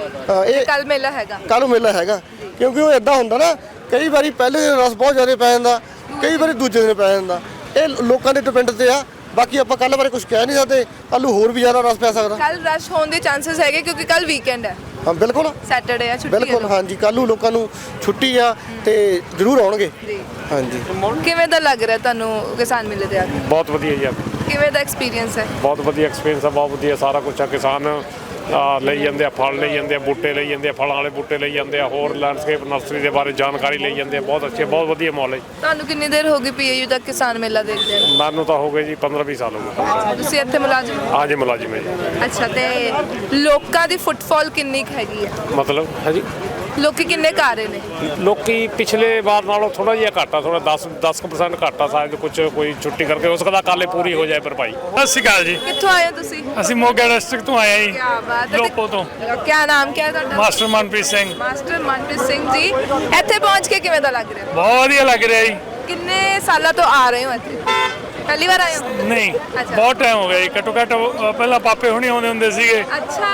[SPEAKER 5] ਇਹ
[SPEAKER 4] ਕੱਲ ਮੇਲਾ ਹੈਗਾ?
[SPEAKER 5] ਕੱਲ੍ਹ ਨੂੰ ਮੇਲਾ ਹੈਗਾ, ਕਿਉਂਕਿ ਉਹ ਐਦਾਂ ਹੁੰਦਾ ਨਾ, ਕਈ ਵਾਰੀ ਪਹਿਲੇ ਦਿਨ ਰਸ ਬਹੁਤ ਜ਼ਿਆਦਾ ਪੈ ਜਾਂਦਾ, ਕਈ ਵਾਰੀ ਦੂਜੇ ਦਿਨ ਪੈ ਜਾਂਦਾ। ਇਹ ਲੋਕਾਂ ਦੇ ਡਿਪੈਂਡ ਤੇ ਆ। ਬਾਕੀ ਆਪਾਂ ਕੱਲ੍ਹ ਬਾਰੇ ਕੁਝ ਕਹਿ ਨਹੀਂ ਸਕਦੇ, ਕੱਲ੍ਹ ਨੂੰ ਹੋਰ ਵੀ ਜ਼ਿਆਦਾ ਰਸ ਪੈ ਸਕਦਾ।
[SPEAKER 4] ਕੱਲ ਰਸ਼ ਹੋਣ ਦੇ ਚਾਂਸਸ ਹੈਗੇ ਕਿਉਂਕਿ ਕੱਲ ਵੀਕਐਂਡ ਹੈ।
[SPEAKER 5] ਹਾਂ, ਬਿਲਕੁਲ।
[SPEAKER 4] ਸੈਟਰਡੇ ਆ, ਛੁੱਟੀ ਹੈ।
[SPEAKER 5] ਬਿਲਕੁਲ, ਹਾਂਜੀ। ਕੱਲ੍ਹ ਨੂੰ ਲੋਕਾਂ ਨੂੰ ਛੁੱਟੀ ਆ ਤੇ ਜ਼ਰੂਰ ਆਉਣਗੇ।
[SPEAKER 4] ਜੀ।
[SPEAKER 5] ਹਾਂਜੀ।
[SPEAKER 4] ਕਿਵੇਂ ਦਾ ਲੱਗ ਰਿਹਾ ਤੁਹਾਨੂੰ ਕਿਸਾਨ ਮੇਲੇ ਤੇ ਆ ਕੇ?
[SPEAKER 6] ਬਹੁਤ ਵਧੀਆ ਜੀ।
[SPEAKER 4] ਕਿਵੇਂ ਦਾ ਐਕਸਪੀਰੀਅੰਸ ਹੈ?
[SPEAKER 6] ਬਹੁਤ ਵਧੀਆ ਐਕਸਪੀਰੀਅੰਸ ਆ, ਬਹੁਤ ਵਧੀਆ ਸਾਰਾ ਕੁਝ ਆ। ਕਿਸਾਨ ਲਈ ਜਾਂਦੇ ਆ, ਫਲ ਲਈ ਜਾਂਦੇ ਆ, ਬੂਟੇ ਲਈ ਜਾਂਦੇ ਆ, ਫਲਾਂ ਵਾਲੇ ਬੂਟੇ ਲਈ ਜਾਂਦੇ ਆ, ਹੋਰ ਲੈਂਡਸਕੇਪ ਨਰਸਰੀ ਦੇ ਬਾਰੇ ਜਾਣਕਾਰੀ ਲਈ ਜਾਂਦੇ ਆ। ਬਹੁਤ ਅੱਛੇ, ਬਹੁਤ ਵਧੀਆ ਮਾਹੌਲ ਹੈ।
[SPEAKER 4] ਤੁਹਾਨੂੰ ਕਿੰਨੀ ਦੇਰ ਹੋ ਗਈ ਪੀਏਯੂ ਦਾ ਕਿਸਾਨ ਮੇਲਾ ਦੇਖਦੇ ਆ?
[SPEAKER 6] ਮੈਨੂੰ ਤਾਂ ਹੋ ਗਏ ਜੀ 15-20 ਸਾਲ ਹੋ ਗਏ।
[SPEAKER 4] ਤੁਸੀਂ ਇੱਥੇ ਮੁਲਾਜ਼ਮ ਹੋ?
[SPEAKER 6] ਹਾਂਜੀ, ਮੁਲਾਜ਼ਮ ਹੈ ਜੀ।
[SPEAKER 4] ਅੱਛਾ। ਤੇ ਲੋਕਾਂ ਦੀ ਫੁੱਟਫਾਲ ਕਿੰਨੀ ਕੁ ਹੈਗੀ ਹੈ?
[SPEAKER 6] ਮਤਲਬ ਹੈ ਜੀ,
[SPEAKER 4] ਲੋਕੀ ਕਿੰਨੇ ਕੁ ਆ ਰਹੇ ਨੇ?
[SPEAKER 6] ਲੋਕੀ ਪਿਛਲੇ ਵਾਰ ਨਾਲੋਂ ਥੋੜਾ ਜਿਹਾ ਘੱਟ ਆ, ਥੋੜਾ 10% ਘੱਟ ਆ। ਸ਼ਾਇਦ ਕੁਝ ਕੋਈ ਛੁੱਟੀ ਕਰਕੇ ਹੋ ਸਕਦਾ ਕੱਲ੍ਹ ਪੂਰੀ ਹੋ ਜਾਏ ਭਰਪਾਈ।
[SPEAKER 7] ਸਤਿ ਸ਼੍ਰੀ ਅਕਾਲ ਜੀ।
[SPEAKER 4] ਕਿੱਥੋਂ ਆਏ ਹੋ ਤੁਸੀਂ?
[SPEAKER 7] ਅਸੀਂ ਮੋਗਾ ਡਿਸਟ੍ਰਿਕਟ ਤੋਂ ਆਏ
[SPEAKER 4] ਕੀ
[SPEAKER 7] ਹਾਂ
[SPEAKER 4] ਬਾਤ
[SPEAKER 7] ਜੀ,
[SPEAKER 4] ਹੈ।
[SPEAKER 7] ਲੋਪੋ ਤੋਂ।
[SPEAKER 4] ਕੀ ਨਾਮ ਕੀ ਹੈ ਤੁਹਾਡਾ?
[SPEAKER 7] ਮਾਸਟਰ ਮਨਪ੍ਰੀਤ ਸਿੰਘ।
[SPEAKER 4] ਮਾਸਟਰ ਮਨਪ੍ਰੀਤ ਸਿੰਘ ਜੀ, ਇੱਥੇ ਪਹੁੰਚ ਕੇ ਕਿਵੇਂ ਦਾ ਲੱਗ ਰਿਹਾ?
[SPEAKER 7] ਬਹੁਤ ਵਧੀਆ ਲੱਗ ਰਿਹਾ ਜੀ।
[SPEAKER 4] ਕਿੰਨੇ ਸਾਲਾਂ ਤੋਂ ਆ ਰਹੇ ਹੋ ਇੱਥੇ? ਪਹਿਲੀ ਵਾਰ ਆਏ ਹੋ?
[SPEAKER 7] ਨਹੀਂ,
[SPEAKER 4] ਅੱਛਾ।
[SPEAKER 7] ਬਹੁਤ ਟਾਈਮ ਹੋ ਗਿਆ ਜੀ। ਘੱਟੋ ਘੱਟ ਪਹਿਲਾਂ ਪਾਪੇ ਹੁਣੀ ਆਉਂਦੇ ਹੁੰਦੇ ਸੀਗੇ।
[SPEAKER 4] ਅੱਛਾ।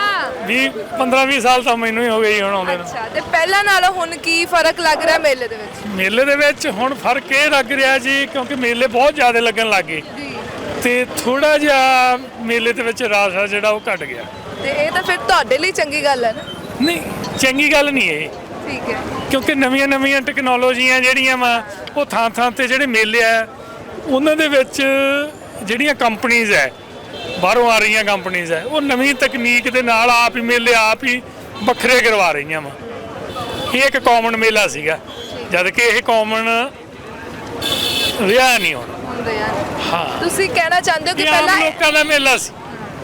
[SPEAKER 7] 15-20 ਸਾਲ ਤਾਂ ਮੈਨੂੰ ਹੀ ਹੋ ਗਏ ਜੀ ਹੁਣ ਆਉਂਦੇ ਨੂੰ।
[SPEAKER 4] ਅੱਛਾ। ਤੇ ਪਹਿਲਾਂ ਨਾਲੋਂ ਹੁਣ ਕੀ ਫਰਕ ਲੱਗ ਰਿਹਾ ਮੇਲੇ ਦੇ ਵਿੱਚ?
[SPEAKER 7] ਮੇਲੇ ਦੇ ਵਿੱਚ ਹੁਣ ਫਰਕ ਇਹ ਲੱਗ ਰਿਹਾ ਜੀ, ਕਿਉਂਕਿ ਮੇਲੇ ਬਹੁਤ ਜ਼ਿਆਦਾ ਲੱਗਣ ਲੱਗ ਗਏ
[SPEAKER 4] ਜੀ।
[SPEAKER 7] ਤੇ ਥੋੜਾ ਜਿਹਾ ਮੇਲੇ ਦੇ ਵਿੱਚ ਰਸ ਆ ਜਿਹੜਾ ਉਹ ਘਟ ਗਿਆ।
[SPEAKER 4] ਤੇ ਇਹ ਤਾਂ ਫਿਰ ਤੁਹਾਡੇ ਲਈ ਚੰਗੀ ਗੱਲ ਹੈ ਨਾ?
[SPEAKER 7] ਨਹੀਂ, ਚੰਗੀ ਗੱਲ ਨਹੀਂ ਇਹ।
[SPEAKER 4] ਠੀਕ ਹੈ।
[SPEAKER 7] ਕਿਉਂਕਿ ਨਵੀਆਂ ਟੈਕਨੋਲੋਜੀਆਂ ਜਿਹੜੀਆਂ ਵਾ ਉਹ ਥਾਂ ਤੇ ਜਿਹੜੇ ਮੇਲੇ ਆ ਉਹਨਾਂ ਦੇ ਵਿੱਚ ਜਿਹੜੀਆਂ ਕੰਪਨੀਆਂ ਹੈ ਬਾਹਰੋਂ ਆ ਰਹੀਆਂ ਕੰਪਨੀਆਂ ਹੈ ਉਹ ਨਵੀਂ ਤਕਨੀਕ ਦੇ ਨਾਲ ਆਪ ਹੀ ਮੇਲੇ ਆਪ ਹੀ ਵੱਖਰੇ ਕਰਵਾ ਰਹੀਆਂ ਵਾ। ਇਹ ਇੱਕ ਕਾਮਨ ਮੇਲਾ ਸੀਗਾ ਜਦ ਕਿ ਇਹ ਕਾਮਨ ਰਿਹਾ ਨਹੀਂ ਹੁਣ।
[SPEAKER 4] ਹੁੰਦੇ ਆ।
[SPEAKER 7] ਹਾਂ,
[SPEAKER 4] ਤੁਸੀਂ ਕਹਿਣਾ ਚਾਹੁੰਦੇ ਹੋ ਕਿ
[SPEAKER 7] ਇਹ ਆਮ
[SPEAKER 4] ਪਹਿਲਾਂ
[SPEAKER 7] ਲੋਕਾਂ ਦਾ ਮੇਲਾ ਸੀ।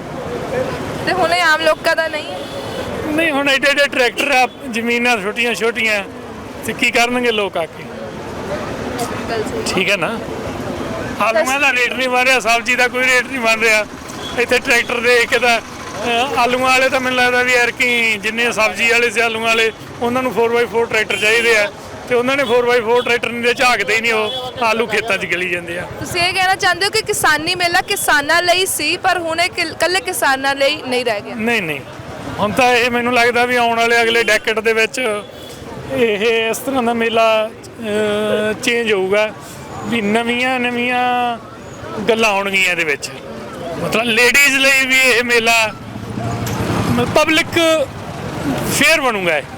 [SPEAKER 4] ਤੇ ਹੁਣ ਇਹ ਆਮ ਲੋਕਾਂ ਦਾ ਨਹੀਂ ਹੈ?
[SPEAKER 7] ਨਹੀਂ, ਹੁਣ ਐਡੇ ਟਰੈਕਟਰ ਆ, ਜ਼ਮੀਨਾਂ ਛੋਟੀਆਂ ਤੇ ਕੀ ਕਰਨਗੇ ਲੋਕ ਆ ਕੇ?
[SPEAKER 4] ਗੱਲ ਸਹੀ।
[SPEAKER 7] ਠੀਕ ਹੈ ਨਾ। ਆਲੂਆਂ ਦਾ ਰੇਟ ਨਹੀਂ ਬਣ ਰਿਹਾ, ਸਬਜ਼ੀ ਦਾ ਕੋਈ ਰੇਟ ਨਹੀਂ ਬਣ ਰਿਹਾ। ਇੱਥੇ ਟਰੈਕਟਰ ਦੇਖ ਕੇ ਤਾਂ ਆਲੂਆਂ ਵਾਲੇ ਤਾਂ ਮੈਨੂੰ ਲੱਗਦਾ ਵੀ ਯਾਰ ਕਿ ਜਿੰਨੇ ਸਬਜ਼ੀ ਵਾਲੇ ਸੀ ਆਲੂਆਂ ਵਾਲੇ ਉਹਨਾਂ ਨੂੰ 4x4 ਟਰੈਕਟਰ ਚਾਹੀਦੇ ਆ ਤੇ ਉਹਨਾਂ ਨੇ 4x4 ਟਰੈਕਟਰ ਨਹੀਂ ਝਾਕਦੇ ਹੀ ਨਹੀਂ, ਉਹ ਆਲੂ ਖੇਤਾਂ 'ਚ ਗਲੀ ਜਾਂਦੇ ਆ।
[SPEAKER 4] ਤੁਸੀਂ ਇਹ ਕਹਿਣਾ ਚਾਹੁੰਦੇ ਹੋ ਕਿ ਕਿਸਾਨੀ ਮੇਲਾ ਕਿਸਾਨਾਂ ਲਈ ਸੀ ਪਰ ਹੁਣ ਇਹ ਇਕੱਲੇ ਕਿਸਾਨਾਂ ਲਈ ਨਹੀਂ ਰਹਿ ਗਿਆ?
[SPEAKER 7] ਨਹੀਂ, ਹੁਣ ਤਾਂ ਇਹ ਮੈਨੂੰ ਲੱਗਦਾ ਵੀ ਆਉਣ ਵਾਲੇ ਅਗਲੇ ਡੈਕੇਡ ਦੇ ਵਿੱਚ ਇਹ ਇਸ ਤਰ੍ਹਾਂ ਦਾ ਮੇਲਾ ਚੇਂਜ ਹੋਊਗਾ ਵੀ ਨਵੀਆਂ ਗੱਲਾਂ ਆਉਣਗੀਆਂ ਇਹਦੇ ਵਿੱਚ। ਮਤਲਬ ਲੇਡੀਜ਼ ਲਈ ਵੀ ਇਹ ਮੇਲਾ ਪਬਲਿਕ ਫੇਅਰ ਬਣੂਗਾ। ਇਹ